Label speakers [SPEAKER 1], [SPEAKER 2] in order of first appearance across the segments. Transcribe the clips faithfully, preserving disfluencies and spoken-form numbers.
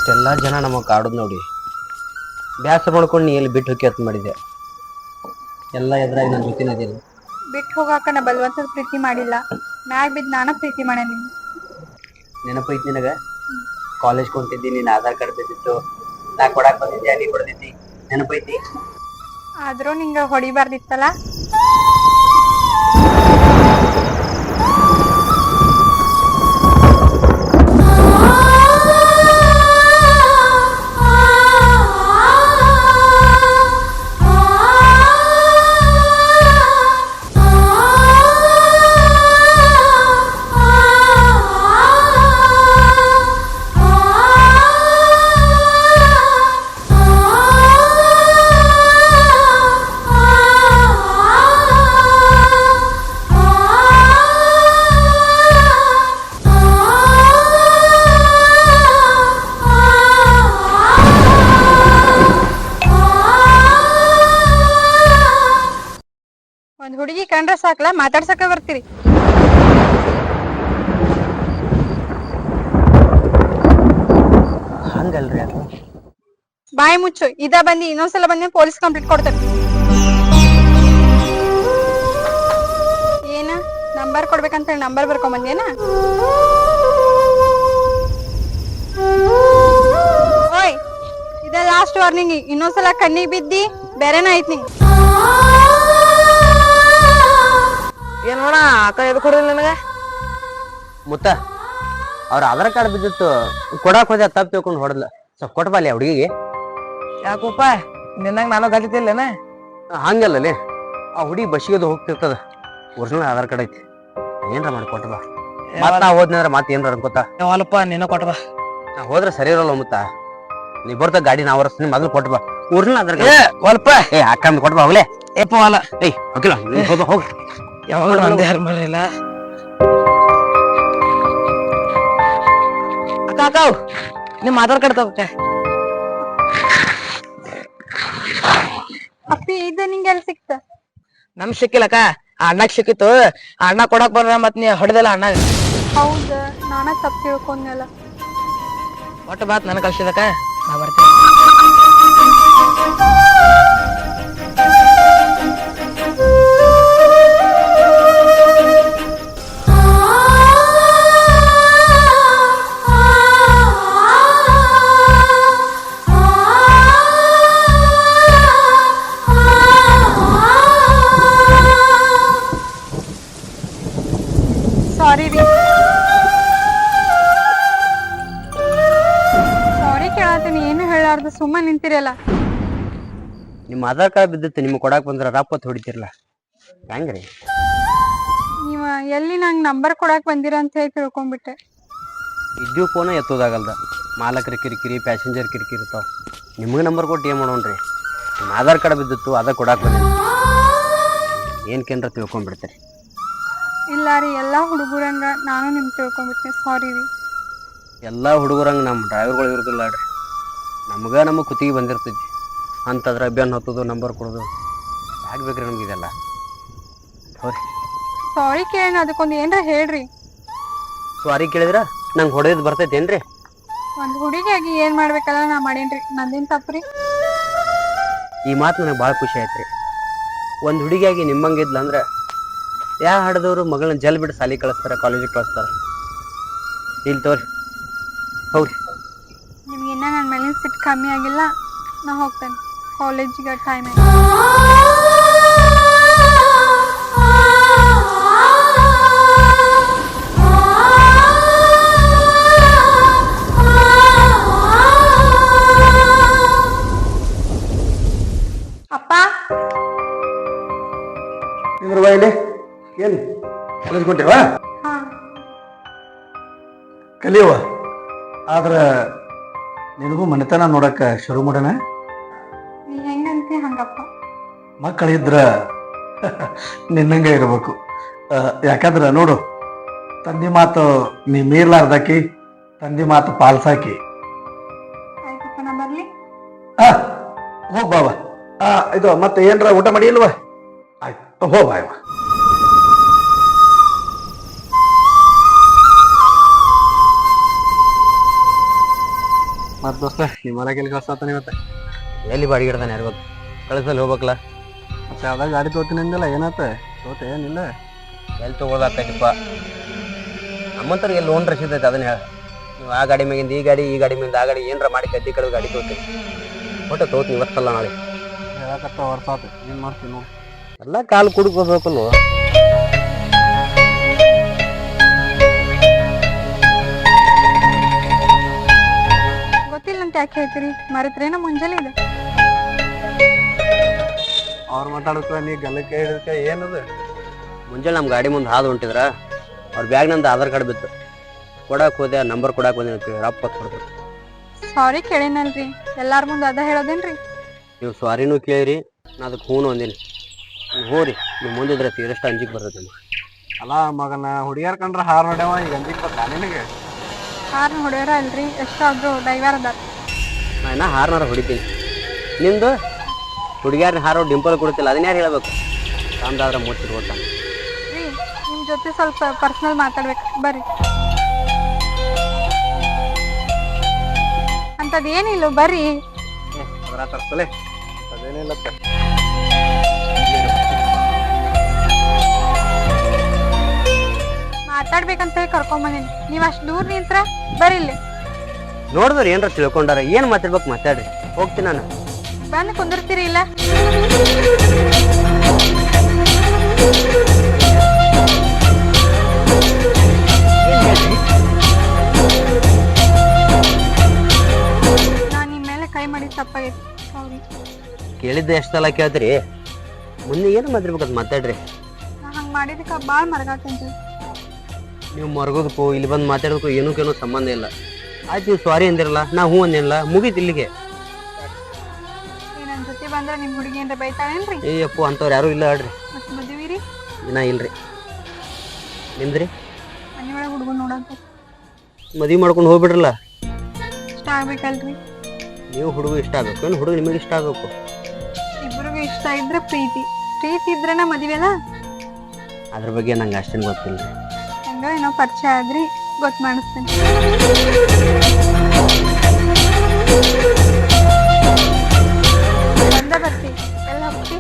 [SPEAKER 1] ಇಷ್ಟೆಲ್ಲ ಜನ ನಮಗೆ ಕಾಡೋದು ನೋಡಿ ಬ್ಯಾಸರ ಮಾಡ್ಕೊಂಡು ನೀ ಎಲ್ಲಿ ಬಿಟ್ಟು ಹೋಗಿ ಅಂತ ಮಾಡಿದೆ. ಎಲ್ಲ ಎದುರಾಗಿ ನನ್ನ ಜೊತೆ ಅದೇನು
[SPEAKER 2] ಬಿಟ್ಟು ಹೋಗಾಕ ನಾ ಬಲವಂತದ ಪ್ರೀತಿ ಮಾಡಿಲ್ಲ, ಮ್ಯಾಗ ಬಿದ್ದು ನಾನ ಪ್ರೀತಿ ಮಾಡ ನೀನು.
[SPEAKER 1] ನೆನಪೈತಿ ನಿನಗ ಕಾಲೇಜ್ ಕೊಂತಿದ್ದಿ, ನೀನ್ ಆಧಾರ್ ಕಾರ್ಡ್ ಬಿದ್ದಿತ್ತು, ನಾ ಕೊಡಾಕ್ ಬಂದಿದ್ದೆ, ನೀ ಕೊಡ್ದಿದ್ದಿ, ನೆನಪೈತಿ?
[SPEAKER 2] ಆದ್ರೂ ನಿಂಗ ಹೊಡಿಬಾರ್ದಿತ್ತಲ್ಲ. ಒಂದ್ ಹುಡುಗಿ ಕಂಡ್ರ ಸಾಕ್ಲಾ ಮಾತಾಡ್ಸಕ ಬರ್ತೀರಿ.
[SPEAKER 1] ಹಂಗಲ್ರಿ ಅದು.
[SPEAKER 2] ಬಾಯಿ ಮುಚ್ಚು, ಇದ ಬಂದಿ ಇನ್ನೊಂದ್ಸಲ ಬಂದಿ ಪೊಲೀಸ್ ಕಂಪ್ಲೇಂಟ್ ಕೊಡ್ತೇನೆ. ಏನ ನಂಬರ್ ಕೊಡ್ಬೇಕಂತ ಹೇಳಿ ನಂಬರ್ ಬರ್ಕೊಂಡ್ ಬಂದೇನ? ಓಯ್ ಇದ ಲಾಸ್ಟ್ ವಾರ್ನಿಂಗ್, ಇನ್ನೊಂದ್ಸಲ ಕಣ್ಣಿಗೆ ಬಿದ್ದಿ ಬೇರೆನ ಐತ್ ನಿಂಗ್.
[SPEAKER 3] ಏನ್ ನೋಡ ಅಕ್ಕ ಎದು ಕೊಡಿಲ್ಲ ನನಗ
[SPEAKER 1] ಮುತ್ತ ಅವ್ರ ಆಧಾರ್ ಕಾರ್ಡ್ ಬಿದ್ದಿತ್ತು ಕೊಡಾಕ್ ಹೋದ ತಪ್ಪು ತಿಳ್ಕೊಂಡು ಹೊಡೆದ್ಲ. ಸ್ವಲ್ಪ ಕೊಟ್ಬಾಲಿ ಆ ಹುಡುಗಿಗೆ.
[SPEAKER 3] ಯಾಕಪ್ಪ ನಿನ್ನಂಗ ನಾನು ಗತಿತಿಲ್ಲೇನ?
[SPEAKER 1] ಹಂಗಲ್ಲೇ ಆ ಹುಡುಗಿ ಬಸ್ಸಿಗೆ ಹೋಗ್ತಿರ್ತದ, ಒರಿಜಿನಲ್ ಆಧಾರ್ ಕಾರ್ಡ್ ಐತಿ, ಏನ್ರ ಮಾಡಿ ಕೊಟ್ಟಬಾ. ಮತ್ ನಾ ಹೋದ್ನಂದ್ರ ಮತ್ ಏನ್ರ ಅನ್ಕೋತ
[SPEAKER 3] ಹೊಲಪ್ಪ ನೀನ ಕೊಟ್ಬಾ.
[SPEAKER 1] ನಾ ಹೋದ್ರ ಸರಿ ಇರಲ್ಲ ಮುತ್ತ. ನೀ ಬರ್ತ ಗಾಡಿ ನಾ ಹೊರಸ್ತೀನಿ, ಮೊದಲು ಕೊಟ್ಟಬಾ ಒರಿಜಿನಲ್ ಆಧಾರ್
[SPEAKER 3] ಏ
[SPEAKER 1] ಕಾರ್ಡ್.
[SPEAKER 3] ಹೊಲ್ಪ
[SPEAKER 1] ಏ ಅಕ್ಕ ಕೊಟ್ಬಾ ಹೋಗ್ಲೇ.
[SPEAKER 3] ಏಪ ಹೊಲ
[SPEAKER 1] ಏಯ್ ಹೋಗಿಲ್ಲ ಹೋಗ ಹೋಗ.
[SPEAKER 3] ಯಾವಾಗ ನಂದೇ ಯಾರು ಮಾಡಿಲ್ಲ. ಅಕ್ಕ ಅಕ್ಕ ನಿಮ್ ಆಧಾರ್ ಕಾರ್ಡ್ ತಗೋಕ.
[SPEAKER 2] ಅಪ್ಪಿ ಇದ ನಿಂಗೆ ಎಲ್ಲಿ ಸಿಕ್ತ?
[SPEAKER 3] ನಮ್ ಸಿಕ್ಕಿಲ್ಲಕ್ಕ, ಆ ಅಣ್ಣಗ್ ಸಿಕ್ಕಿತ್ತು. ಆ ಅಣ್ಣ ಕೊಡಕ್ ಬರ್ರ ಮತ್ ನೀ ಹೊಡೆದಿಲ್ಲ ಅಣ್ಣಗ.
[SPEAKER 2] ಹೌದ, ನಾನ ತಪ್ಪು ತಿಳ್ಕೊಂಡ್ನಲ್ಲ.
[SPEAKER 3] ಒಟ್ಟು ಬಾತ್ ನನ್ ಕಳ್ಸಿದಕ್ಕ, ನಾ ಬರ್ತೀನಿ.
[SPEAKER 2] ಸಾರಿ ರೀ, ಸಾರಿ ಕೇಳತ್ತೀನಿ, ಏನು ಹೇಳಾರ್ದು ಸುಮ್ಮ ನಿಂತಿರಲ್ಲ.
[SPEAKER 1] ನಿಮ್ಮ ಆಧಾರ್ ಕಾರ್ಡ್ ಬಿದ್ದಿತ್ತು, ನಿಮ್ಗೆ ಕೊಡಾಕ್ ಬಂದ್ರ ರಾಪತ್ ಹೊಡಿತಿರ್ಲ ಹೆಂಗ್ರಿ?
[SPEAKER 2] ನೀವ ಎಲ್ಲಿ ನಂಗೆ ನಂಬರ್ ಕೊಡಾಕ್ ಬಂದಿರ ಅಂತ ಹೇಳಿ ತಿಳ್ಕೊಂಡ್ಬಿಟ್ಟೆ.
[SPEAKER 1] ಇದ್ದೀವಿ ಫೋನ ಎತ್ತೋದಾಗಲ್ದ, ಮಾಲಕರ ಕಿರಿಕಿರಿ, ಪ್ಯಾಸೆಂಜರ್ ಕಿರಿಕಿರಿ ಇರ್ತಾವ. ನಿಮಗೆ ನಂಬರ್ ಕೊಟ್ಟು ಏನು ಮಾಡೋಣ್ರಿ? ನಿಮ್ಮ ಆಧಾರ್ ಕಾರ್ಡ್ ಬಿದ್ದಿತ್ತು, ಅದ ಕೊಡಾಕ್ ಬಂದಿನಿ, ಏನ್ಕೇನ್ರ ತಿಳ್ಕೊಂಡ್ಬಿಡ್ತೀರಿ.
[SPEAKER 2] ಇಲ್ಲ ರೀ, ಎಲ್ಲಾ ಹುಡುಗರಂಗ ನಾನು ನಿಮ್ ತಿಳ್ಕೊಂಡ್ಬಿಟ್ಟೆ, ಸಾರಿ ರೀ.
[SPEAKER 1] ಎಲ್ಲ ಹುಡುಗರಂಗೆ ನಮ್ಮ ಡ್ರೈವರ್ಗಳು ಇರೋದಿಲ್ಲ ರೀ. ನಮ್ಗೆ ನಮ್ಮ ಕುತ್ತಿಗೆ ಬಂದಿರ್ತೈತಿ ಅಂತಂದ್ರೆ ಬೆನ್ನು ಹತ್ತೋದು, ನಂಬರ್ ಕೊಡೋದು ಯಾಕೆ ಬೇಕ್ರಿ ನಮ್ಗೆ ಇದೆಲ್ಲ? ಸಾರಿ
[SPEAKER 2] ಸಾರಿ ಕೇಳ, ಅದಕ್ಕೊಂದು ಏನ್ರ ಹೇಳ್ರಿ.
[SPEAKER 1] ಸಾರಿ ಕೇಳಿದ್ರ ನಂಗೆ ಹೊಡೆಯೋದು ಬರ್ತೈತಿ ಏನ್ರಿ?
[SPEAKER 2] ಒಂದ್ ಹುಡುಗಿಯಾಗಿ ಏನ್ ಮಾಡ್ಬೇಕಲ್ಲ ನಾ ಮಾಡೇನ್ರಿ, ನಂದೇನ್ ತಪ್ಪ್ರಿ?
[SPEAKER 1] ಈ ಮಾತು ನನಗೆ ಭಾಳ ಖುಷಿ ಆಯ್ತು ರೀ. ಒಂದು ಹುಡುಗಿಯಾಗಿ ನಿಮ್ಮಂಗಿದ್ಲ ಅಂದ್ರೆ ಯಾ ಹಾಡ್ದವ್ರು ಮಗಳನ್ನ ಜಲ್ ಬಿಟ್ಟು ಸಾಲಿ ಕಳಿಸ್ತಾರೆ, ಕಾಲೇಜಿಗೆ ಕಳಿಸ್ತಾರೆ. ಇಲ್ಲಿ ತೋರಿ ಹೌದ್ರಿ.
[SPEAKER 2] ನಿಮ್ಗಿನ್ನ ನನ್ನ ಮೇಲಿನ ಸಿಟ್ಟು ಕಮ್ಮಿ ಆಗಿಲ್ಲ, ನಾ ಹೋಗ್ತೇನೆ ಕಾಲೇಜಿಗೆ, ಟೈಮ್ ಆಯ್ತು. ಅಪ್ಪ
[SPEAKER 4] ನಿಂದ್ರವಾ ಇಲ್ಲಿ. ಏನು ಕಾಲೇಜ್ ಕೊಟ್ಟಿವ?
[SPEAKER 2] ಹಾ
[SPEAKER 4] ಕಲಿಯವ. ಆದ್ರೆ ನಿನಗೂ ಮನೆತನ ನೋಡಕ್ಕ ಶುರು ಮಾಡೋಣ.
[SPEAKER 2] ನೀ ಹೆಂಗಂತಿ ಹಂಗಪ್ಪ.
[SPEAKER 4] ಮಕ್ಕಳಿದ್ರ ನಿನ್ನಂಗೆ ಇರಬೇಕು. ಯಾಕಂದ್ರೆ ನೋಡು, ತಂದೆ ಮಾತು ನೀ ಮೀರ್ಲಾರ್ದಾಕಿ, ತಂದೆ ಮಾತು ಪಾಲ್ಸಾಕಿ.
[SPEAKER 2] ಆಯ್ತಪ್ಪ, ನಾ ಬರ್ಲಿ?
[SPEAKER 4] ಹಾ ಹೋಗ್ ಬಾವ. ಆ ಇದು ಮತ್ತೆ ಏನ್ರ ಊಟ ಮಾಡಿ ಇಲ್ವಾ? ಆಯ್ತು ಹೋಗ್ ಬಾಯವ.
[SPEAKER 5] ಮತ್ ದೋಸ್ತ ನಿಮ್ಮ ಹೊಲ ಕೆಲ್ ಕಳ್ಸಾತಾನ ಇವತ್ತ
[SPEAKER 1] ಎಲ್ಲಿ ಬಾಡಿಗೆ ಇಡ್ತಾನೆ ಯಾರು ಗೊತ್ತು ಕಳಿಸಲ್ಲಿ ಹೋಗ್ಬೇಕಲ್ಲ.
[SPEAKER 5] ಮತ್ತೆ ಯಾವ್ದಾಗ ಗಾಡಿ ತೋತೀನಿ ಅಂದಿಲ್ಲ ಏನಾತ ತೋತೆ ಏನಿಲ್ಲ
[SPEAKER 1] ಎಲ್ಲಿ ತೊಗೊಳದಾಗ್ತೈತಿಪ್ಪ ನಮ್ಮಂತವ್ರಿಗೆ ಎಲ್ಲಿ ಲೋನ್ ರಸೀದ್ ಐತೆ ಅದನ್ನ ಹೇಳ. ನೀವು ಆ ಗಾಡಿ ಮ್ಯಾಗಿಂದ ಈ ಗಾಡಿ ಈ ಗಾಡಿ ಮ್ಯಾಗಿಂದ ಆ ಗಾಡಿ ಏನರ ಮಾಡಿ ಗದ್ದಿ ಕಡೆ ಗಾಡಿ ತೋತೀನಿ ಒಟ್ಟು ತೋತೀನಿ ಇವತ್ತಲ್ಲ ನಾಳೆ.
[SPEAKER 5] ಹೇಳಕತ್ತ ವರ್ಷ ಆತು ಏನ್ ಮಾಡ್ತೀನಿ ನೋಡಿ.
[SPEAKER 1] ಎಲ್ಲ ಕಾಲು ಕುಡ್ಕೋಬೇಕಲ್ವ.
[SPEAKER 2] ಗೊತ್ತಿಲ್ಲ ಅಂತ ಯಾಕೆ ಹೇಳ್ತೀರಿ ಮರೆತ್ರೇನ ಮುಂಜಾನೆ ಇದೆ.
[SPEAKER 5] ಅವ್ರು ಮಾತಾಡಕ್ಕ ನೀ ಗಲ್ಲಕ್ಕೆ ಹಿಡಿದಕ್ಕೆ ಏನದು
[SPEAKER 1] ಮುಂಜಾನೆ ನಮ್ಮ ಗಾಡಿ ಮುಂದೆ ಹಾದು ಹೊಂಟಿದ್ರ ಅವ್ರ ಬ್ಯಾಗ್ ನಂದು ಆಧಾರ್ ಕಾರ್ಡ್ ಬಿತ್ತು ಕೊಡಕ್ಕೆ ಹೋದೆ ನಂಬರ್ ಕೊಡಕ್ಕೆ ಬಂದಿನ ರಪ್ಪ ಕೊಡ್ಬೇಕು.
[SPEAKER 2] ಸಾರಿ ಕೇಳೇನಲ್ರಿ ಎಲ್ಲಾರ ಮುಂದೆ ಅದ ಹೇಳೋದೇನ್ರಿ.
[SPEAKER 1] ನೀವು ಸಾರಿನೂ ಕೇಳಿರಿ ನಾ ಅದಕ್ಕೆ ಹೂನು ಅಂದೀನಿ. ನೀವು ಹೋರಿ ನೀವು ಮುಂದಿದ್ರೆ ತೀರಷ್ಟು ಅಂಜಿಕೆ ಬರ್ತೈತೆ ನಿಮ್ಗೆ.
[SPEAKER 5] ಅಲ್ಲ ಮಗನ ಹುಡುಗಿಯರ್ ಕಂಡ್ರ ಹಾರ್ ನೋಡ್ಯಾವ ಈಗ ಅಂಜಿಕ್ ಬರ್ತಾ ನಿನಗೆ.
[SPEAKER 2] ಕಾರ್ ಹೊಡೆಯೋರ ಅಲ್ರಿ ಎಷ್ಟಾದ್ರು ಡ್ರೈವರ್ ಅದಾರ.
[SPEAKER 1] ನಾ ಇನ್ನ ಹಾರ್ನಾರ ಹೊಡಿತೀನಿ. ನಿಂದು ಹುಡುಗಿಯಾರನ್ನ ಹಾರೋ ಡಿಂಪಲ್ ಕೊಡ್ತಿಲ್ಲ ಅದನ್ನ ಯಾರು ಹೇಳ್ಬೇಕು. ತಾಮ್ದಾದ್ರೆ ಮುಚ್ಚಿರ್ ಕೊಡ್ತಾನೆ.
[SPEAKER 2] ರೀ ನಿಮ್ ಜೊತೆ ಸ್ವಲ್ಪ ಪರ್ಸನಲ್ ಮಾತಾಡ್ಬೇಕು ಬರ್ರಿ. ಅಂತದ್ ಏನಿಲ್ಲ ಬರ್ರಿ.
[SPEAKER 5] ಅದ್ರ ತರ್ಸಲೆ ಅದೇನಿಲ್ಲತ್ತ.
[SPEAKER 2] ಮಾತಾಡ್ಬೇಕಂತ ಹೇಳಿ ಕರ್ಕೊಂಬಂದಿನಿ ನೀವ್ ಅಷ್ಟ್ ದೂರ ನಿಂತ್ರ ಬರ್ರಿ ಇಲ್ಲಿ.
[SPEAKER 1] ನೋಡಿದ್ರೆ ಏನ್ರ ತಿಳ್ಕೊಂಡಾರ ಏನ್ ಮಾತಾಡ್ಬೇಕು ಮಾತಾಡ್ರಿ ಹೋಗ್ತೀನಿ ನಾನು.
[SPEAKER 2] ಬಂದು ಕುಂದಿರ್ತೀರಿ ಇಲ್ಲ. ನಾನ್ ನಿಮ್ ಮೇಲೆ ಕೈ ಮಾಡಿ ತಪ್ಪಾಗೈತಿ ಸಾರಿ.
[SPEAKER 1] ಕೇಳಿದ್ದೆ ಎಷ್ಟೆಲ್ಲ ಕೇಳ್ತೀರಿ ಮುಂದೆ ಏನು ಮಾತಾಡ್ಬೇಕಂತ ಮಾತಾಡ್ರಿ.
[SPEAKER 2] ನಾ ಹಂಗ್ ಮಾಡಿದಕ್ಕ ಬಾಳ್ ಮರಗಾತಂತ.
[SPEAKER 1] ನೀವು ಮರ್ಗೋದಕ್ಕೂ ಇಲ್ಲಿ ಬಂದು ಮಾತಾಡೋದಕ್ಕೂ ಏನಕ್ಕೇನೋ ಸಂಬಂಧ ಇಲ್ಲ. ಆಯ್ತು ನೀವು ಸಾರಿ ಅಂದಿರಲ್ಲ ನಾ ಹ್ಞೂ ಅಂದಿರಲ್ಲ ಮುಗೀತು ಇಲ್ಲಿಗೆ.
[SPEAKER 2] ನನ್ ಜೊತೆ ಬಂದ್ರ ನಿಮ್ ಹುಡುಗಿ ಏನ್ರ ಬೈತಾಳೇನ್ರಿ.
[SPEAKER 1] ಏ ಅಪ್ಪು ಅಂಥವ್ರು ಯಾರೂ ಇಲ್ಲ ಹೇಳ್ರಿ.
[SPEAKER 2] ಮತ್ ಮದುವಿರಿ
[SPEAKER 1] ಇನ್ನ ಇಲ್ರಿ. ನಿಮ್ದ್ರಿ
[SPEAKER 2] ಮನೆ ಒಳಗೆ ಹುಡುಗನ್ ನೋಡಂತ
[SPEAKER 1] ಮದುವೆ ಮಾಡ್ಕೊಂಡು ಹೋಗ್ಬಿಡ್ರಲ್ಲ.
[SPEAKER 2] ಇಷ್ಟ ಆಗ್ಬೇಕಲ್ರಿ.
[SPEAKER 1] ನೀವು ಹುಡುಗ ಇಷ್ಟ ಆಗ್ಬೇಕು ಏನು ಹುಡುಗ ನಿಮಗೆ ಇಷ್ಟ ಆಗ್ಬೇಕು.
[SPEAKER 2] ಇಬ್ಬರಿಗೂ ಇಷ್ಟ ಇದ್ರೆ ಪ್ರೀತಿ ಪ್ರೀತಿ ಇದ್ರೆನ ಮದುವೆನಾ.
[SPEAKER 1] ಅದ್ರ ಬಗ್ಗೆ ನಂಗೆ ಅಷ್ಟೇನು ಗೊತ್ತಿಲ್ಲ.
[SPEAKER 2] ಹೆಂಗ ಏನೋ ಪರಿಚಯ ಆದ್ರಿ ಗೊತ್ತು ಮಾಡಿಸ್ತೇನೆ. ಬಂದ ಬರ್ತಿ ಎಲ್ಲ ಹೋಗ್ತಿ.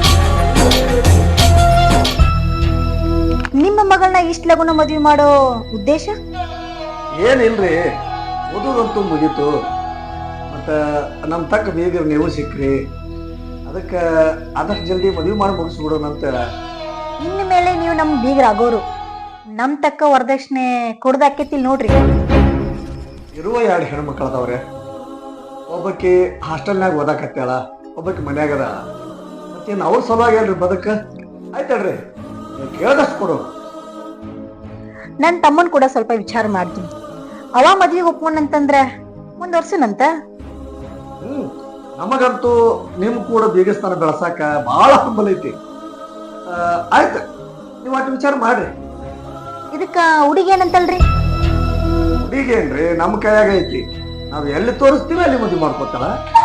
[SPEAKER 6] ನಿಮ್ಮ ಮಗಳನ್ನ ಇಷ್ಟ ಲಗುನ ಮದ್ವೆ ಮಾಡೋ ಉದ್ದೇಶ
[SPEAKER 4] ಏನಿಲ್ರಿ ಓದೋದಂತೂ ಮುಗೀತು. ಮತ್ತು ನಮ್ಮ ತಕ್ಕ ಬೀಗರು ನೀವು ಸಿಕ್ಕ್ರಿ ಅದಕ್ಕೆ ಆದಷ್ಟು ಜಲ್ದಿ ಮದುವೆ ಮಾಡಿ ಮುಗಿಸ್ಬಿಡೋಣ ಅಂತ.
[SPEAKER 6] ಇನ್ನು ಮೇಲೆ ನೀವು ನಮ್ ಬೀಗರಾಗೋರು ನಮ್ ತಕ್ಕ ವರದಕ್ಷಿಣೆ ಕೊಡ್ದಾಕೈತಿಲ್ ನೋಡ್ರಿ.
[SPEAKER 4] ಇರುವ ಎರಡು ಹೆಣ್ಮಕ್ಳು ಅದಾವ್ರೆ. ಒಬ್ಬಾಕಿ ಹಾಸ್ಟೆಲ್ನಾಗ ಓದಾಕತ್ತಾಳ ಒಬ್ಬಾಕಿ ಮನ್ಯಾಗದ. ಮತ್ತೇನು ಅವ್ರ ಸಲುವಾಗಿ ಅಲ್ರಿ ಬದಕ ಆಯ್ತಲ್ರಿ ಕೇಳ್ದಷ್ಟು ಕೊಡು.
[SPEAKER 6] ನನ್ ತಮ್ಮನ್ ಕೂಡ ಸ್ವಲ್ಪ ವಿಚಾರ ಮಾಡ್ತೀನಿ. ಅವ ಮದ್ವಿಗೆ ಒಪ್ಕೊಂಡಂತಂದ್ರ ಮುಂದ್ವರ್ಸನಂತ.
[SPEAKER 4] ಹ್ಮ್ ನಮಗಂತೂ ನಿಮ್ ಕೂಡ ಬೀಗಸ್ಥಾನ ಬೆಳಸಾಕ ಬಹಳ ಹಂಬಲ ಐತಿ. ಆಯ್ತು ನೀವು ಅಷ್ಟು ವಿಚಾರ ಮಾಡ್ರಿ.
[SPEAKER 6] ಇದಕ್ಕ ಹುಡುಗಿ ಏನಂತಲ್ರಿ.
[SPEAKER 4] ಹುಡುಗೇನ್ರಿ ನಮ್ಮ ಕೈಯಾಗ ಐತಿ. ನಾವ್ ಎಲ್ಲಿ ತೋರಿಸ್ತೀವಿ ಅಲ್ಲಿ ಮದುವೆ ಮಾಡ್ಕೊತಾಳ.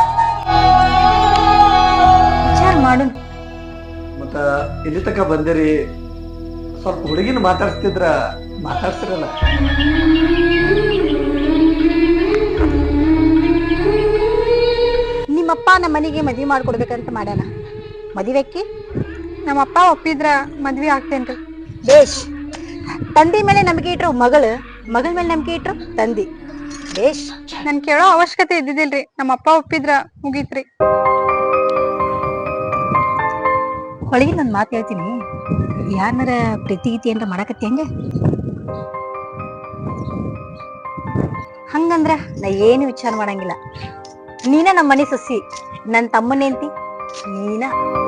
[SPEAKER 6] ವಿಚಾರ ಮಾಡು.
[SPEAKER 4] ಮತ್ತ ಇಲ್ಲಿ ತಕ ಬಂದಿರಿ ಸ್ವಲ್ಪ ಹುಡುಗಿನ ಮಾತಾಡ್ಸ್ತಿದ್ರ ಮಾತಾಡ್ಸಿರಲ್ಲ.
[SPEAKER 6] ನಿಮ್ಮಪ್ಪ ನಮ್ಮ ಮನೆಗೆ ಮದ್ವಿ ಮಾಡ್ಕೊಡ್ಬೇಕಂತ ಮಾಡ್ಯಾನ. ಮದುವೆಕ್ಕಿ
[SPEAKER 2] ನಮ್ಮಪ್ಪ ಒಪ್ಪಿದ್ರ ಮದ್ವಿ ಆಗ್ತೇನ್ರಿ.
[SPEAKER 6] ಬೇಷ್. ತಂದಿ ಮೇಲೆ ನಂಬಿಕೆ ಇಟ್ರು ಮಗಳು, ಮಗಳ ಮೇಲೆ ನಂಬಿಕೆ ಇಟ್ರು ತಂದಿ. ಬೇಷ್.
[SPEAKER 2] ನನ್ ಕೇಳೋ ಅವಶ್ಯಕತೆ ಇದ್ದಿದ್ದಿಲ್ರಿ ನಮ್ಮಪ್ಪ ಒಪ್ಪಿದ್ರ ಮುಗೀತ್ರಿ.
[SPEAKER 6] ಹೊಳಗಿ ನನ್ ಮಾತು ಹೇಳ್ತೀನಿ. ಯಾರನಾರ ಪ್ರೀತಿ ಗೀತಿ ಏನ್ರ ಮಾಡಕತ್ತಿ ಹಂಗ ಹಂಗಂದ್ರ ನಾ ಏನು ವಿಚಾರ ಮಾಡಂಗಿಲ್ಲ. ನೀನ ನಮ್ಮ ಮನೆ ಸೊಸಿ, ನನ್ ತಮ್ಮನೇಂತಿ ನೀನ.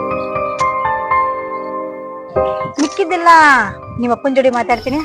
[SPEAKER 6] ಮಿಕ್ಕಿದ್ದೆಲ್ಲ ನಿಮ್ಮ ಅಪ್ಪನ ಜೋಡಿ ಮಾತಾಡ್ತೀನಿ.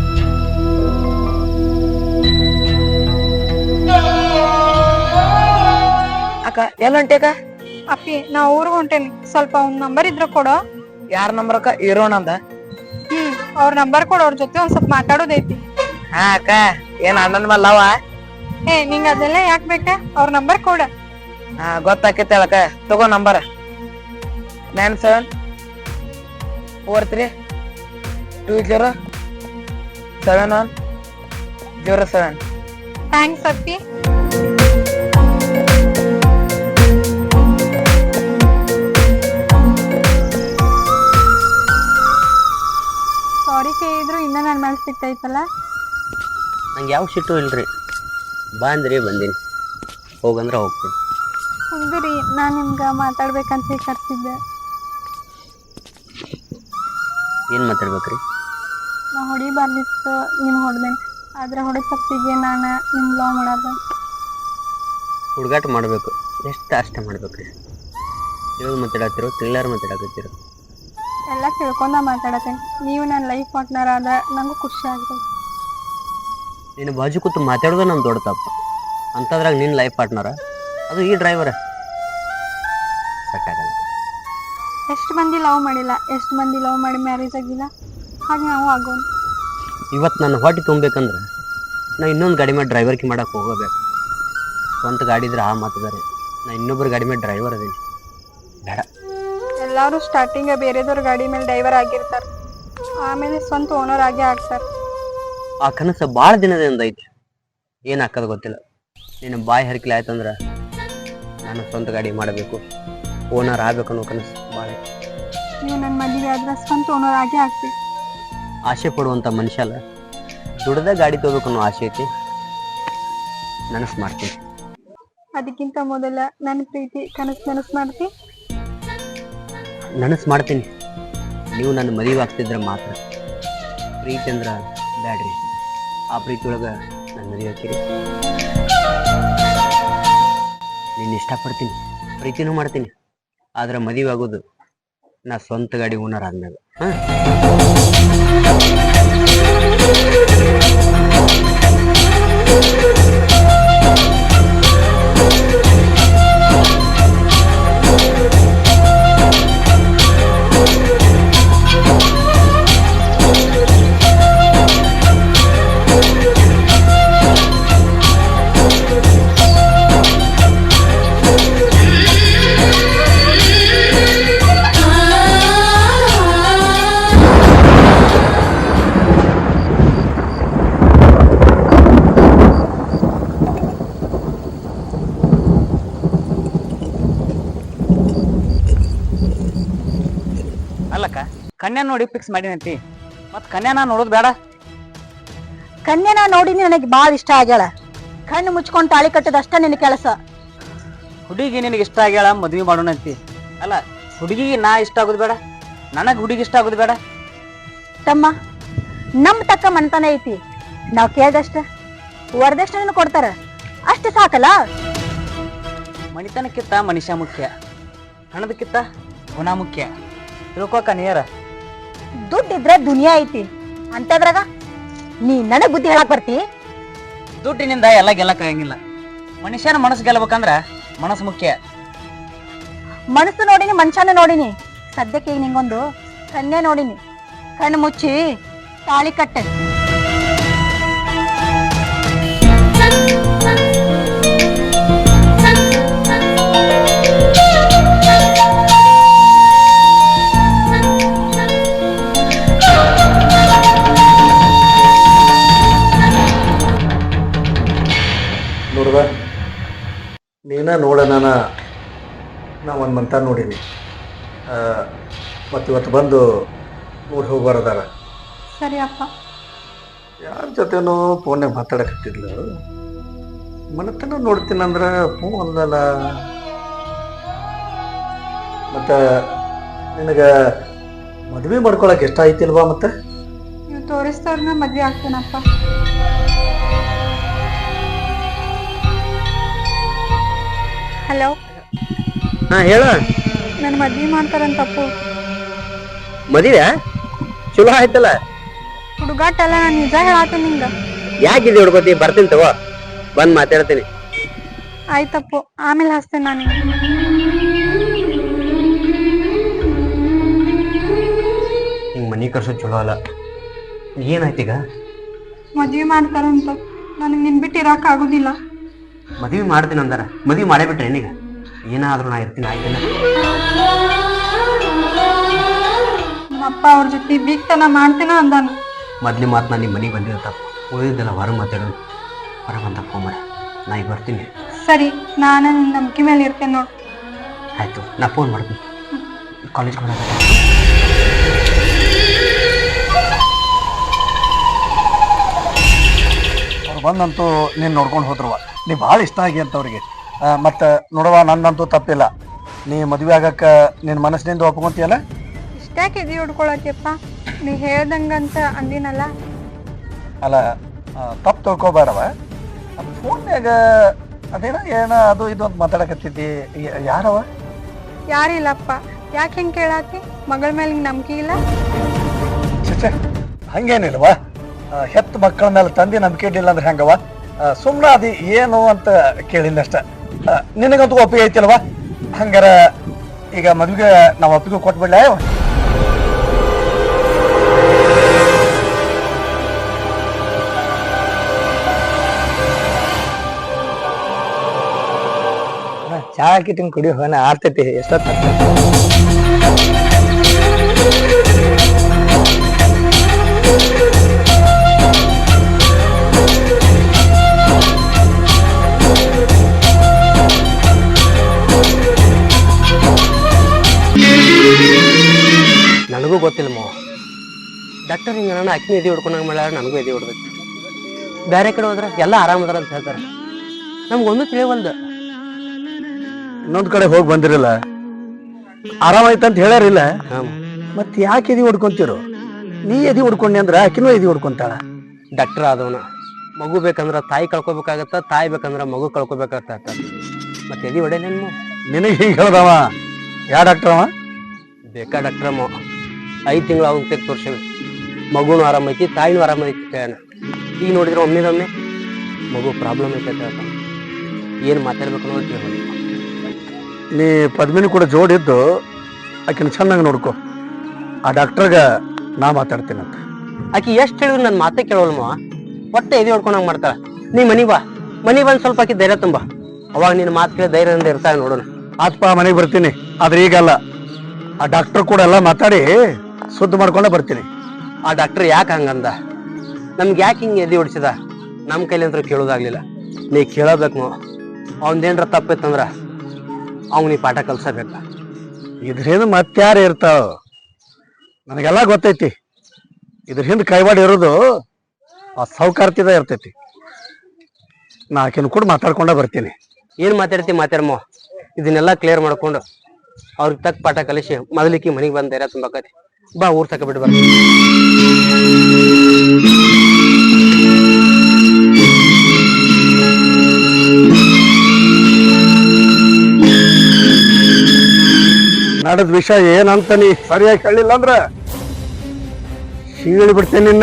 [SPEAKER 3] ಅಕ್ಕ ಎಲ್ಲ ಹೊಂಟೇಕ
[SPEAKER 2] ಅಪ್ಪಿ ನಾ ಊರ್ಗ್ ಹೊಂಟೇನಿ ಸ್ವಲ್ಪ ಒಂದ್ ನಂಬರ್ ಇದ್ರ ಕೊಡೋ.
[SPEAKER 3] ಯಾರ ನಂಬರ್ ಅಕ್ಕ ಇರೋಣ ಅಂದ.
[SPEAKER 2] ಹ್ಮ್ ಅವ್ರ ನಂಬರ್ ಕೊಡ ಅವ್ರ ಜೊತೆ ಒಂದ್ ಸ್ವಲ್ಪ ಮಾತಾಡೋದೈತಿ.
[SPEAKER 3] ಹಾ ಅಕ್ಕ ಏನ್ ಅಣ್ಣನ ಮೇಲೆ ಅವ.
[SPEAKER 2] ಏ ನಿಂಗ ಅದೆಲ್ಲ ಯಾಕ್ ಬೇಕ ಅವ್ರ ನಂಬರ್ ಕೊಡ.
[SPEAKER 3] ಹಾ ಗೊತ್ತಾಕೈತಿ ಅಕ್ಕ ತಗೋ number nine seven four three two zero seven one zero seven.
[SPEAKER 2] Thanks ಅಪ್ಪಿ. ಮೇಲೆ ಸಿಟ್ಟೈತಲ್ಲ.
[SPEAKER 1] ನಂಗೆ ಯಾವ ಸಿಟ್ಟು ಇಲ್ರಿ, ಬಾ ಅಂದ್ರಿ ಬಂದೀನಿ, ಹೋಗಂದ್ರೆ ಹೋಗ್ತೀನಿ.
[SPEAKER 2] ಹೌದ್ರಿ, ನಾನು ನಿಮ್ಗೆ ಮಾತಾಡ್ಬೇಕಂತ ಕರ್ಸಿದ್ದೆ.
[SPEAKER 1] ಏನು ಮಾತಾಡ್ಬೇಕ್ರಿ?
[SPEAKER 2] ನಾ ಹೊಡಿಬಾರ್ದಿತ್ತು, ನಿಮ್ಗೆ ಹೊಡೆದೇನೆ. ಆದ್ರೆ ಹೊಡೆ ತಪ್ಪಿಗೆ ನಾನು ನಿಮ್ಗೆ ಲವ್ ಮಾಡೋದು.
[SPEAKER 1] ಹುಡುಗಾಟ ಮಾಡಬೇಕು, ಎಷ್ಟು ಅಷ್ಟೇ ಮಾಡ್ಬೇಕ್ರಿ. ತಿಳಿದು ಮಾತಾಡತ್ತಿರೋ ತಿಳಿಲಾರ ಮಾತಾಡಕತ್ತೀರೋ?
[SPEAKER 2] ಎಲ್ಲ ತಿಳ್ಕೊಂಡ ಮಾತಾಡತ್ತೇನೆ. ನೀವು ನನ್ನ ಲೈಫ್ ಪಾರ್ಟ್ನರ್ ಆದ ನಂಗೂ ಖುಷಿ ಆಗ್ತದೆ.
[SPEAKER 1] ನೀನು ಬಾಜು ಕೂತು ಮಾತಾಡೋದು ನಮ್ಮ ದೊಡ್ಡ ತಪ್ಪು, ಅಂಥದ್ರಾಗ ನಿನ್ನ ಲೈಫ್ ಪಾರ್ಟ್ನರ, ಅದು ಈ ಡ್ರೈವರ, ಸೆಟ್ ಆಗಲ್ಲ.
[SPEAKER 2] ಎಷ್ಟು ಮಂದಿ ಲವ್ ಮಾಡಿಲ್ಲ, ಎಷ್ಟು ಮಂದಿ ಲವ್ ಮಾಡಿ ಮ್ಯಾರೇಜ್ ಆಗಿಲ್ಲ, ಹಾಗೆ ನಾವು ಆಗೋಣ.
[SPEAKER 1] ಇವತ್ತು ನನ್ನ ಹೊಟ್ಟೆ ತುಂಬಬೇಕಂದ್ರೆ ನಾ ಇನ್ನೊಂದು ಗಾಡಿ ಮೇಲೆ ಡ್ರೈವರ್ಗೆ ಮಾಡಕ್ಕೆ ಹೋಗಬೇಕು. ಸ್ವಂತ ಗಾಡಿ ಇದ್ರೆ ಆ ಮಾತಿದ್ದಾರೆ, ನಾ ಇನ್ನೊಬ್ಬರು ಗಾಡಿ ಮೇಲೆ ಡ್ರೈವರ್ ಅದೀನಿ, ಬೇಡ.
[SPEAKER 2] ಎಲ್ಲರೂ ಸ್ಟಾರ್ಟಿಂಗ್ ಬೇರೆದವ್ರ ಗಾಡಿ ಮೇಲೆ ಡ್ರೈವರ್ ಆಗಿರ್ತಾರೆ, ಆಮೇಲೆ ಸ್ವಂತ ಓನರ್ ಆಗೇ ಆಗ್ತಾರೆ.
[SPEAKER 1] ಆ ಕನಸು ಭಾಳ ದಿನದಿಂದ ಐತಿ, ಏನು ಹಾಕೋದು ಗೊತ್ತಿಲ್ಲ. ನೀನು ಬಾಯಿ ಹರಿಕಲಿ ಆಯ್ತಂದ್ರೆ ನಾನು ಸ್ವಂತ ಗಾಡಿ ಮಾಡಬೇಕು, ಓನರ್ ಆಗ್ಬೇಕು ಅನ್ನೋ ಕನಸು ಭಾಳ ಐತಿ.
[SPEAKER 2] ನೀವು ನನ್ನ ಮದುವೆ ಆದ್ರೆ ಸ್ವಂತ ಓನರ್ ಆಗೇ ಆಗ್ತೀವಿ.
[SPEAKER 1] ಆಸೆ ಪಡುವಂಥ ಮನುಷ್ಯ ಅಲ್ಲ, ದುಡ್ದ ಗಾಡಿ ತಗೋಬೇಕು ಅನ್ನೋ ಆಸೆ ಐತಿ, ನನಸು ಮಾಡ್ತೀನಿ.
[SPEAKER 2] ಅದಕ್ಕಿಂತ ಮೊದಲ ನನ್ನ ಪ್ರೀತಿ ಕನಸು ನನಸು ಮಾಡ್ತಿ.
[SPEAKER 1] ನನಸು ಮಾಡ್ತೀನಿ, ನೀವು ನನ್ನ ಮದುವೆ ಆಗ್ತಿದ್ರೆ ಮಾತ್ರ. ಪ್ರೀತಿ ಅಂದ್ರೆ ಬ್ಯಾಡ್ರಿ, ಆ ಪ್ರೀತಿ ಒಳಗೆ ನನ್ನ ಮದುವೆ ಹಾಕಿರಿ. ನೀನು ಇಷ್ಟಪಡ್ತೀನಿ, ಪ್ರೀತಿನೂ ಮಾಡ್ತೀನಿ, ಆದ್ರೆ ಮದುವೆ ಆಗೋದು ನಾ ಸ್ವಂತ ಗಾಡಿ ಓನರ್ ಆದ್ಮೇಲೆ. ಹಾಂ,
[SPEAKER 3] ಅಲ್ಲಕ್ಕ, ಕನ್ಯಾ ನೋಡಿ ಫಿಕ್ಸ್ ಮಾಡಿನಂತಿ, ಮತ್ ಕನ್ಯಾನ ನೋಡೋದು ಬೇಡ?
[SPEAKER 6] ಕನ್ಯೆನ ನೋಡಿನಿ, ನನಗೆ ಭಾಳ ಇಷ್ಟ ಆಗ್ಯಾಳ. ಕಣ್ಣು ಮುಚ್ಕೊಂಡು ತಾಳಿ ಕಟ್ಟದಷ್ಟ ನಿನ್ನ ಕೆಲಸ.
[SPEAKER 3] ಹುಡುಗಿ ನಿನಗೆ ಇಷ್ಟ ಆಗ್ಯಾಳ, ಮದ್ವಿ ಮಾಡೋಣಂತಿ. ಅಲ್ಲ, ಹುಡುಗಿಗೆ ನಾ ಇಷ್ಟ ಆಗೋದು ಬೇಡ, ನನಗೆ ಹುಡುಗಿ ಇಷ್ಟ ಆಗೋದು ಬೇಡ?
[SPEAKER 6] ತಮ್ಮ, ನಮ್ ತಕ್ಕ ಮನ್ತನ ಐತಿ, ನಾವ್ ಕೇಳ್ದಷ್ಟ ವರದಕ್ಷಿಣೆ ಕೊಡ್ತಾರ, ಅಷ್ಟು ಸಾಕಲ್ಲ.
[SPEAKER 3] ಮಣಿತನಕ್ಕಿಂತ ಮನುಷ್ಯ ಮುಖ್ಯ, ಹಣದಕ್ಕಿಂತ ಗುಣ ಮುಖ್ಯ. ತಿಳ್ಕೊಕ ನೀರ.
[SPEAKER 6] ದುಡ್ಡಿದ್ರೆ ದುನಿಯಾ ಐತಿ, ಅಂತದ್ರಾಗ ನೀ ನನಗ್ ಬುದ್ಧಿ ಹೇಳಕ್ ಬರ್ತಿ?
[SPEAKER 3] ದುಡ್ಡಿನಿಂದ ಎಲ್ಲ ಗೆಲ್ಲಕ್ ಆಗಂಗಿಲ್ಲ. ಮನುಷ್ಯನ ಮನಸ್ಸು ಗೆಲ್ಲಬೇಕಂದ್ರ ಮನಸ್ಸು ಮುಖ್ಯ.
[SPEAKER 6] ಮನಸ್ಸು ನೋಡಿನಿ, ಮನುಷ್ಯನ ನೋಡಿನಿ, ಸದ್ಯಕ್ಕೆ ಈಗ ನಿಂಗೊಂದು ಕನ್ಯೆ ನೋಡಿನಿ. ಕಣ್ಣು ಮುಚ್ಚಿ ತಾಳಿ ಕಟ್ಟ.
[SPEAKER 4] ನೋಡ್ದ, ನೀನ ನೋಡ, ನಾನು ನಾ ಒಂದು ಮಂತ ನೋಡೀನಿ, ಮತ್ತು ಇವತ್ತು ಬಂದು ನೋಡಿ ಹೋಗ್ಬಾರದಾರ.
[SPEAKER 2] ಸರಿ ಅಪ್ಪ.
[SPEAKER 4] ಯಾರ ಜೊತೆನೋ ಫೋನ್ಯಾಗ ಮಾತಾಡಕತ್ತಿದ್ಲು, ಮನತನ ನೋಡ್ತೀನಂದ್ರೆ ಹ್ಞೂ ಅಂದಲ್ಲ. ಮತ್ತು ನಿನಗೆ ಮದುವೆ ಮಾಡ್ಕೊಳಕ್ಕೆ ಇಷ್ಟ ಐತಿಲ್ವಾ? ಮತ್ತೆ
[SPEAKER 2] ನೀವು ತೋರಿಸ್ತವ್ರನ್ನ ಮದ್ವೆ ಆಗ್ತೇನಪ್ಪ. ಹಲೋ,
[SPEAKER 1] ಹಾಂ ಹೇಳು.
[SPEAKER 2] ನನ್ನ ಮದ್ವೆ ಮಾಡ್ತಾರಂತಪ್ಪು.
[SPEAKER 1] ಮದುವೆ ಚಲೋ ಆಯ್ತಲ್ಲ.
[SPEAKER 2] ಹುಡುಗಾಟ ಅಲ್ಲ, ನಾನು ನಿಜ ಹೇಳಾತೀನಿ ನಿಂಗೆ.
[SPEAKER 1] ಯಾಕಿದೆ ಹುಡ್ಕೋತಿ? ಬರ್ತೀನಿ ತಗೋ, ಬಂದು ಮಾತಾಡ್ತೀನಿ.
[SPEAKER 2] ಆಯ್ತಪ್ಪು, ಆಮೇಲೆ ಹಚ್ತೇನೆ ನಾನು.
[SPEAKER 1] ಹಿಂಗೆ ಮನೆ ಕರ್ಸೋದು ಚಲೋ ಅಲ್ಲ. ಏನಾಯ್ತೀಗ?
[SPEAKER 2] ಮದ್ವೆ ಮಾಡ್ತಾರಂತ, ನನಗೆ ನಿನ್ ಬಿಟ್ಟು ಇರಕ್ ಆಗುದಿಲ್ಲ.
[SPEAKER 1] ಮದುವೆ ಮಾಡ್ತೀನಿ ಅಂದಾರ, ಮದುವೆ ಮಾಡೇ ಬಿಟ್ರೆ ಏನೀಗ? ಏನಾದ್ರೂ ನಾ ಇರ್ತೀನಿ, ಆಯ್ತಿಲ್ಲ.
[SPEAKER 2] ನಮ್ಮಪ್ಪ ಅವ್ರ ಜೊತೆ ಬೀಗ್ತನ ಮಾಡ್ತೇನ ಅಂದಾನ.
[SPEAKER 1] ಮೊದ್ಲೇ ಮಾತು ನಾನು ನಿಮ್ಮ ಮನೆಗೆ ಬಂದಿರೋ ತಪ್ಪು, ಉಳಿದಿದ್ದೆಲ್ಲ ಹೊರ ಮಾತಾಡೋದು. ಹೊರ ಬಂದ ಫೋನ್ ಮಾಡ, ನಾ ಈಗ ಬರ್ತೀನಿ.
[SPEAKER 2] ಸರಿ, ನಾನು ನಿನ್ನ ನಂಬಿಕೆ ಮೇಲೆ ಇರ್ತೇನೆ ನೋಡು.
[SPEAKER 1] ಆಯ್ತು, ನಾ ಫೋನ್ ಮಾಡ್ತೀನಿ. ಕಾಲೇಜ್ ಕೊಡ
[SPEAKER 4] ಅವ್ರು ಬಂದಂತೂ ನೀನು ನೋಡ್ಕೊಂಡು ಹೋದ್ರವ ನೀ ಭಾಳ ಇಷ್ಟ ಆಗಿ ಅಂತ ಅವ್ರಿಗೆ ಮತ್ತು ನೋಡವ ನಂದಂತೂ ತಪ್ಪಿಲ್ಲ ನೀ ಮದುವೆ ಆಗಕ್ಕೆ ನಿನ್ನ ಮನಸ್ಸಿನಿಂದ ಒಪ್ಕೊಂತೀಯಲ್ಲ.
[SPEAKER 2] ಇಷ್ಟ್ಯಾಕೆ ಎದಿ ಹೊಡ್ಕೊಳತಿಯಪ್ಪ, ನೀ ಹೇಳ್ದಂಗಂತ ಅಂದಿನಲ್ಲ.
[SPEAKER 4] ಅಲ್ಲ ತಪ್ಪು ತಿಳ್ಕೊಬೇಡವ, ಅದು ಫೋನ್ಯಾಗ ಅದೇನ ಏನ ಅದು ಇದು ಅಂತ ಮಾತಾಡಕತ್ತಿದ್ದಿ. ಯಾರವ?
[SPEAKER 2] ಯಾರಿಲ್ಲಪ್ಪ, ಯಾಕೆ ಹಿಂಗೆ ಕೇಳಾತಿ? ಮಗಳ ಮೇಲೆ ನಿಂಗೆ ನಂಬಿಕೆ ಇಲ್ಲ?
[SPEAKER 4] ಚೆ ಹಂಗೇನಿಲ್ವ, ಹೆತ್ತ ಮಕ್ಕಳ ಮೇಲೆ ತಂದೆ ನಂಬಿಕೆ ಇಡ್ಲಿಲ್ಲ ಅಂದ್ರೆ ಹೆಂಗವ? ಸುಮ್ಮನೆ ಅದು ಏನು ಅಂತ ಕೇಳಿನಷ್ಟ. ನಿನಗಂತೂ ಒಪ್ಪಿಗೆ ಐತಿಲ್ವ? ಹಂಗಾರ ಈಗ ಮದುವೆಗೆ ನಾವು ಒಪ್ಪಿಗೆ ಕೊಟ್ಬಿಡ್ಲ?
[SPEAKER 5] ಚಾ ಹಾಕಿಟ್ಟಿಂಗ್ ಕುಡಿ ಹೋನ ಆರ್ತೈತಿ ಎಷ್ಟೊತ್ತ
[SPEAKER 1] ನನಗೂ ಗೊತ್ತಿಲ್ಲ ಮಾವ. ಡಾಕ್ಟರ್ ಹಿಂಗೆ ನಾನು ಅಕ್ಕಿನ ಎದಿ ಹೊಡ್ಕೊಂಡಂಗೆ ಮಾಡ್ಯಾರ, ನನಗೂ ಎದಿ ಹೊಡ್ಬೇಕು. ಬೇರೆ ಕಡೆ ಹೋದ್ರೆ ಎಲ್ಲ ಆರಾಮದಾರ ಅಂತ ಹೇಳ್ತಾರೆ, ನಮ್ಗೊಂದು ತಿಳಿವಲ್ದು.
[SPEAKER 4] ಇನ್ನೊಂದ್ ಕಡೆ ಹೋಗಿ ಬಂದಿರಲ್ಲ, ಆರಾಮಾಯ್ತಂತ ಹೇಳ್ಯಾರಿಲ್ಲ,
[SPEAKER 1] ಹಾಂ
[SPEAKER 4] ಮತ್ ಯಾಕೆ ಎದಿ ಹೊಡ್ಕೊಂತಿರು? ನೀ ಎದಿ ಹೊಡ್ಕೊಂಡಿ ಅಂದ್ರ ಆಕಿನೂ ಎದಿ ಹೊಡ್ಕೊಂತಾಳ.
[SPEAKER 1] ಡಾಕ್ಟರ್ ಆದವನ ಮಗು ಬೇಕಂದ್ರ ತಾಯಿ ಕಳ್ಕೊಬೇಕಾಗತ್ತ, ತಾಯಿ ಬೇಕಂದ್ರ ಮಗು ಕಳ್ಕೊಬೇಕಾಗತ್ತ. ಮತ್ತೆ ಎದಿ ಹೊಡೆಯಲೇನು?
[SPEAKER 4] ನಿನಗೆ ಹೀಗೆ ಹೇಳ್ದವ ಯಾ ಡಾಕ್ಟರ್ ಅವ?
[SPEAKER 1] ಬೇಕಾ ಡಾಕ್ಟ್ರ ಮಾವ. ಐದು ತಿಂಗಳು ಅವ್ನ ತೆಗೆದು ತೋರ್ಸೇವಿ, ಮಗುನು ಆರಾಮೈತಿ, ತಾಯಿನೂ ಆರಾಮೈತಿ ಕೇಳೋಣ. ಈಗ ನೋಡಿದ್ರೆ ಒಮ್ಮೆದೊಮ್ಮೆ ಮಗು ಪ್ರಾಬ್ಲಮ್ ಐತೆ ಅಂತ ಹೇಳ್ತಾನೆ. ಏನು ಮಾತಾಡ್ಬೇಕು ಅನ್ನೋದು ಕೇಳಿ.
[SPEAKER 4] ನೀ ಪದ್ಮಿನಿ ಕೂಡ ಜೋಡಿದ್ದು ಆಕಿನ ಚೆನ್ನಾಗಿ ನೋಡ್ಕೊ. ಆ ಡಾಕ್ಟರ್ಗ ನಾ ಮಾತಾಡ್ತೀನಂತ.
[SPEAKER 1] ಆಕಿ ಎಷ್ಟು ಹೇಳಿದ್ರು ನನ್ನ ಮಾತೇ ಕೇಳೋಲ್ಲ ಮಾವ. ಒಟ್ಟೆ ಎದಿ ಹೊಡ್ಕೊಂಡಂಗೆ ಮಾಡ್ತಾಳ. ನೀ ಮನಿ ಬಾ, ಮನಿ ಬಂದು ಸ್ವಲ್ಪ ಆಕಿ ಧೈರ್ಯ ತುಂಬ, ಅವಾಗ ನಿನ್ನ ಮಾತು ಕೇಳಿ ಧೈರ್ಯದಿಂದ ಇರ್ತಾಳೆ ನೋಡೋಣ.
[SPEAKER 4] ಆತ್ಪ ಮನೆಗೆ ಬರ್ತೀನಿ, ಆದ್ರೆ ಈಗಲ್ಲ. ಆ ಡಾಕ್ಟರ್ ಕೂಡ ಎಲ್ಲ ಮಾತಾಡಿ ಸುದ್ದಿ ಮಾಡ್ಕೊಂಡೆ ಬರ್ತೀನಿ.
[SPEAKER 1] ಆ ಡಾಕ್ಟರ್ ಯಾಕೆ ಹಂಗಂದ, ನಮ್ಗೆ ಯಾಕೆ ಹಿಂಗೆ ಎದಿ ಹೊಡಿಸಿದ, ನಮ್ಮ ಕೈಲಿಂತ್ರ ಕೇಳೋದಾಗ್ಲಿಲ್ಲ. ನೀ ಕೇಳಬೇಕು ಮಾವ. ಅವನದೇನ್ರ ತಪ್ಪಿತ್ತಂದ್ರ ಅವ್ನು ನೀ ಪಾಠ ಕಲ್ಸಬೇಕ.
[SPEAKER 4] ಇದ್ರ ಮತ್ತಾರು ಇರ್ತಾವ, ನನಗೆಲ್ಲ ಗೊತ್ತೈತಿ. ಇದ್ರ ಹಿಂದೆ ಕೈವಾಡ ಇರೋದು ಆ ಸೌಕಾರ್ತಿದ ಇರ್ತೈತಿ. ನಾ ಆಕಿನ ಕೂಡ ಮಾತಾಡ್ಕೊಂಡ ಬರ್ತೀನಿ.
[SPEAKER 1] ಏನು ಮಾತಾಡ್ತಿ ಮಾತಾಡಮ್ಮ, ಇದನ್ನೆಲ್ಲ ಕ್ಲಿಯರ್ ಮಾಡ್ಕೊಂಡು ಅವ್ರಿಗೆ ತಕ್ಕ ಪಾಠ ಕಲಿಸಿ ಮೊದಲಿಕ್ಕೆ ಮನೆಗೆ ಬಂದ ಧೈರ್ಯ ತುಂಬಾಕತಿ. ಬಾ ಊರ್ ತಕ ಬಿಟ್ಟು ಬರ್ತೀನಿ.
[SPEAKER 4] ನಡೆದ ವಿಷಯ ಏನಂತ ನೀ ಸರಿಯಾಗಿ ಹೇಳಿಲ್ಲ ಅಂದ್ರ ಸೀಳಿ ಬಿಡ್ತೇನೆ ನಿನ್ನ.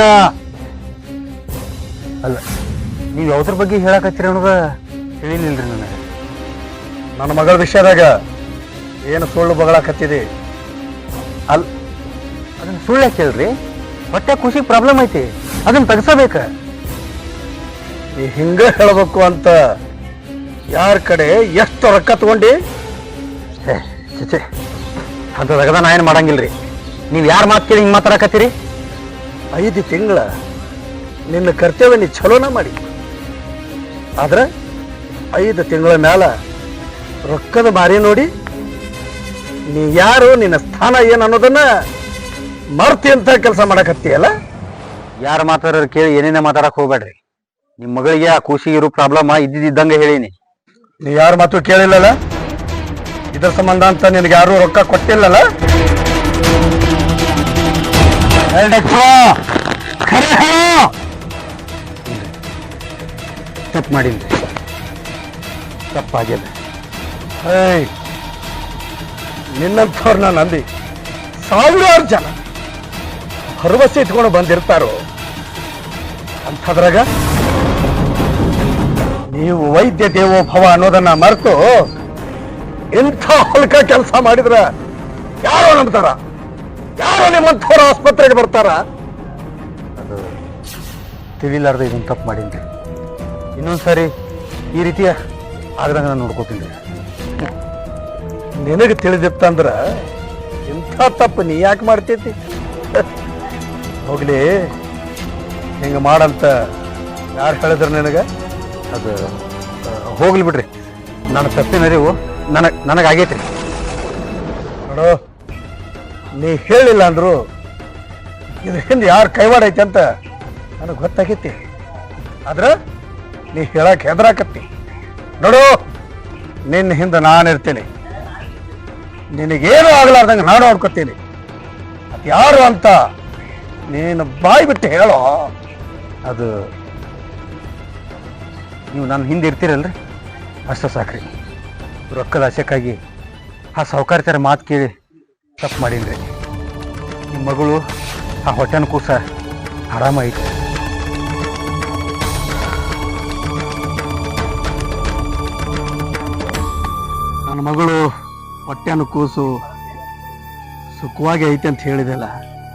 [SPEAKER 5] ಅಲ್ಲ ನೀವ್ ಯಾವ್ದ್ರ ಬಗ್ಗೆ ಹೇಳಕತ್ತೀರಿ ಅನ್ನೋದ ತಿಳಿಲಿಲ್ರಿ ನನಗೆ.
[SPEAKER 4] ನನ್ನ ಮಗಳ ವಿಷಯದಾಗ ಏನು ಸುಳ್ಳು ಬಗಳಾಕತ್ತಿದೆ?
[SPEAKER 5] ಅಲ್ ಅದನ್ನ ಸುಳ್ಳು ಯಾಕೆ ಹೇಳ್ರಿ? ಹೊಟ್ಟೆ ಖುಷಿ ಪ್ರಾಬ್ಲಮ್ ಐತಿ, ಅದನ್ನ ತೆಗ್ಸಬೇಕ.
[SPEAKER 4] ನೀ ಹಿಂಗ ಹೇಳ್ಬೇಕು ಅಂತ ಯಾರ ಕಡೆ ಎಷ್ಟು ರೊಕ್ಕ ತಗೊಂಡಿ?
[SPEAKER 5] ಚಚೆ ಅಂತದಾಗ ನಾ ಏನು ಮಾಡಂಗಿಲ್ರಿ. ನೀವು ಯಾರು ಮಾತು ಕೇಳಿ ಹಿಂಗೆ ಮಾತಾಡಕತ್ತೀರಿ?
[SPEAKER 4] ಐದು ತಿಂಗಳ ನಿನ್ನ ಕರ್ತವ್ಯ ನೀ ಚಲೋನ ಮಾಡಿ, ಆದ್ರೆ ಐದು ತಿಂಗಳ ಮ್ಯಾಲ ರೊಕ್ಕದ ಮಾರಿ ನೋಡಿ ನೀ ಯಾರು, ನಿನ್ನ ಸ್ಥಾನ ಏನು ಅನ್ನೋದನ್ನ ಮರ್ತಿ ಅಂತ ಕೆಲಸ ಮಾಡಕತ್ತೀಯಲ್ಲ.
[SPEAKER 5] ಯಾರು ಮಾತಾಡೋರು ಕೇಳಿ ಏನೇನೇ ಮಾತಾಡಕ್ ಹೋಗ್ಬೇಡ್ರಿ. ನಿಮ್ಮ ಮಗಳಿಗೆ ಆ ಖುಷಿಗೆ ಇರೋ ಪ್ರಾಬ್ಲಮ್ ಇದ್ದಿದ್ದಂಗೆ ಹೇಳಿನಿ.
[SPEAKER 4] ನೀ ಯಾರ ಮಾತು ಕೇಳಿಲ್ಲಲ್ಲ, ಇದ್ರ ಸಂಬಂಧ ಅಂತ ನಿನಗೆ ಯಾರು ರೊಕ್ಕ ಕೊಟ್ಟಿಲ್ಲಲ್ಲ. ತಪ್ಪು ಮಾಡಿಲ್ಲ, ತಪ್ಪಾಗಿದೆ. ಏಯ್ ನಿನ್ನಂಥವ್ರನ್ನ ನಂಬಿ ಸಾವಿರಾರು ಜನ ಭರವಸೆ ಇಟ್ಕೊಂಡು ಬಂದಿರ್ತಾರೋ, ಅಂಥದ್ರಾಗ ನೀವು ವೈದ್ಯ ದೇವೋಭವ ಅನ್ನೋದನ್ನ ಮರೆತು ಇಂಥ ಹೊಲ್ಕ ಕೆಲಸ ಮಾಡಿದ್ರ ಯಾರೋ ನಂಬ್ತಾರ? ಯಾರೋ ನಿಮ್ಮಂಥವ್ರ ಆಸ್ಪತ್ರೆಗೆ ಬರ್ತಾರ?
[SPEAKER 5] ಅದು ತಿಳಿಲಾರ್ದ ಇದನ್ನ ತಪ್ಪು ಮಾಡೀನಿ. ಇನ್ನೊಂದ್ಸರಿ ಈ ರೀತಿಯ ಆಗ್ದಂಗ ನಾನು ನೋಡ್ಕೋತೀನಿ.
[SPEAKER 4] ನಿನಗೆ ತಿಳಿದಿತ್ತಂದ್ರ ಇಂಥ ತಪ್ಪು ನೀ ಯಾಕೆ ಮಾಡ್ತೈತಿ? ಹೋಗ್ಲಿ, ಹಿಂಗ ಮಾಡಂತ ಯಾರು ಹೇಳಿದ್ರು ನಿನಗ?
[SPEAKER 5] ಅದು ಹೋಗ್ಲಿ ಬಿಡ್ರಿ, ನನ್ನ ತಪ್ಪಿನ ಅರಿವು ನನಗ್ ನನಗಾಗೈತ್ರಿ.
[SPEAKER 4] ನೋಡು, ನೀ ಹೇಳಿಲ್ಲ ಅಂದ್ರು ಇದ್ರ ಹಿಂದೆ ಯಾರು ಕೈವಾಡ ಐತೆ ಅಂತ ನನಗೆ ಗೊತ್ತಾಗೈತಿ. ಆದ್ರ ನೀ ಹೇಳಕ್ ಹೆದರಾಕತ್ತಿ. ನೋಡು, ನಿನ್ನ ಹಿಂದೆ ನಾನಿರ್ತೀನಿ. ನಿನಗೇನು ಆಗ್ಲಾರ್ದಂಗೆ ನಾನು ನೋಡ್ಕೊತೀನಿ. ಅದು ಯಾರು ಅಂತ ನೀನು ಬಾಯಿ ಬಿಟ್ಟು ಹೇಳೋ.
[SPEAKER 5] ಅದು ನೀವು ನನ್ನ ಹಿಂದೆ ಇರ್ತೀರಲ್ರಿ, ಅಷ್ಟು ಸಾಕ್ರಿ. ರೊಕ್ಕದ ಆಸೆಕ್ಕಾಗಿ ಆ ಸಾಹುಕಾರ್ತರ ಮಾತು ಕೇಳಿ ತಪ್ಪು ಮಾಡೀನ್ರಿ. ನಿಮ್ಮ ಮಗಳು ಆ ಹೊಟ್ಟೆನ ಕೂಸ ಆರಾಮಾಯ್ತು.
[SPEAKER 4] ನನ್ನ ಮಗಳು ಹೊಟ್ಟೆನ ಕೂಸು ಸುಖವಾಗಿ ಐತೆ ಅಂತ ಹೇಳಿದೆಲ್ಲ,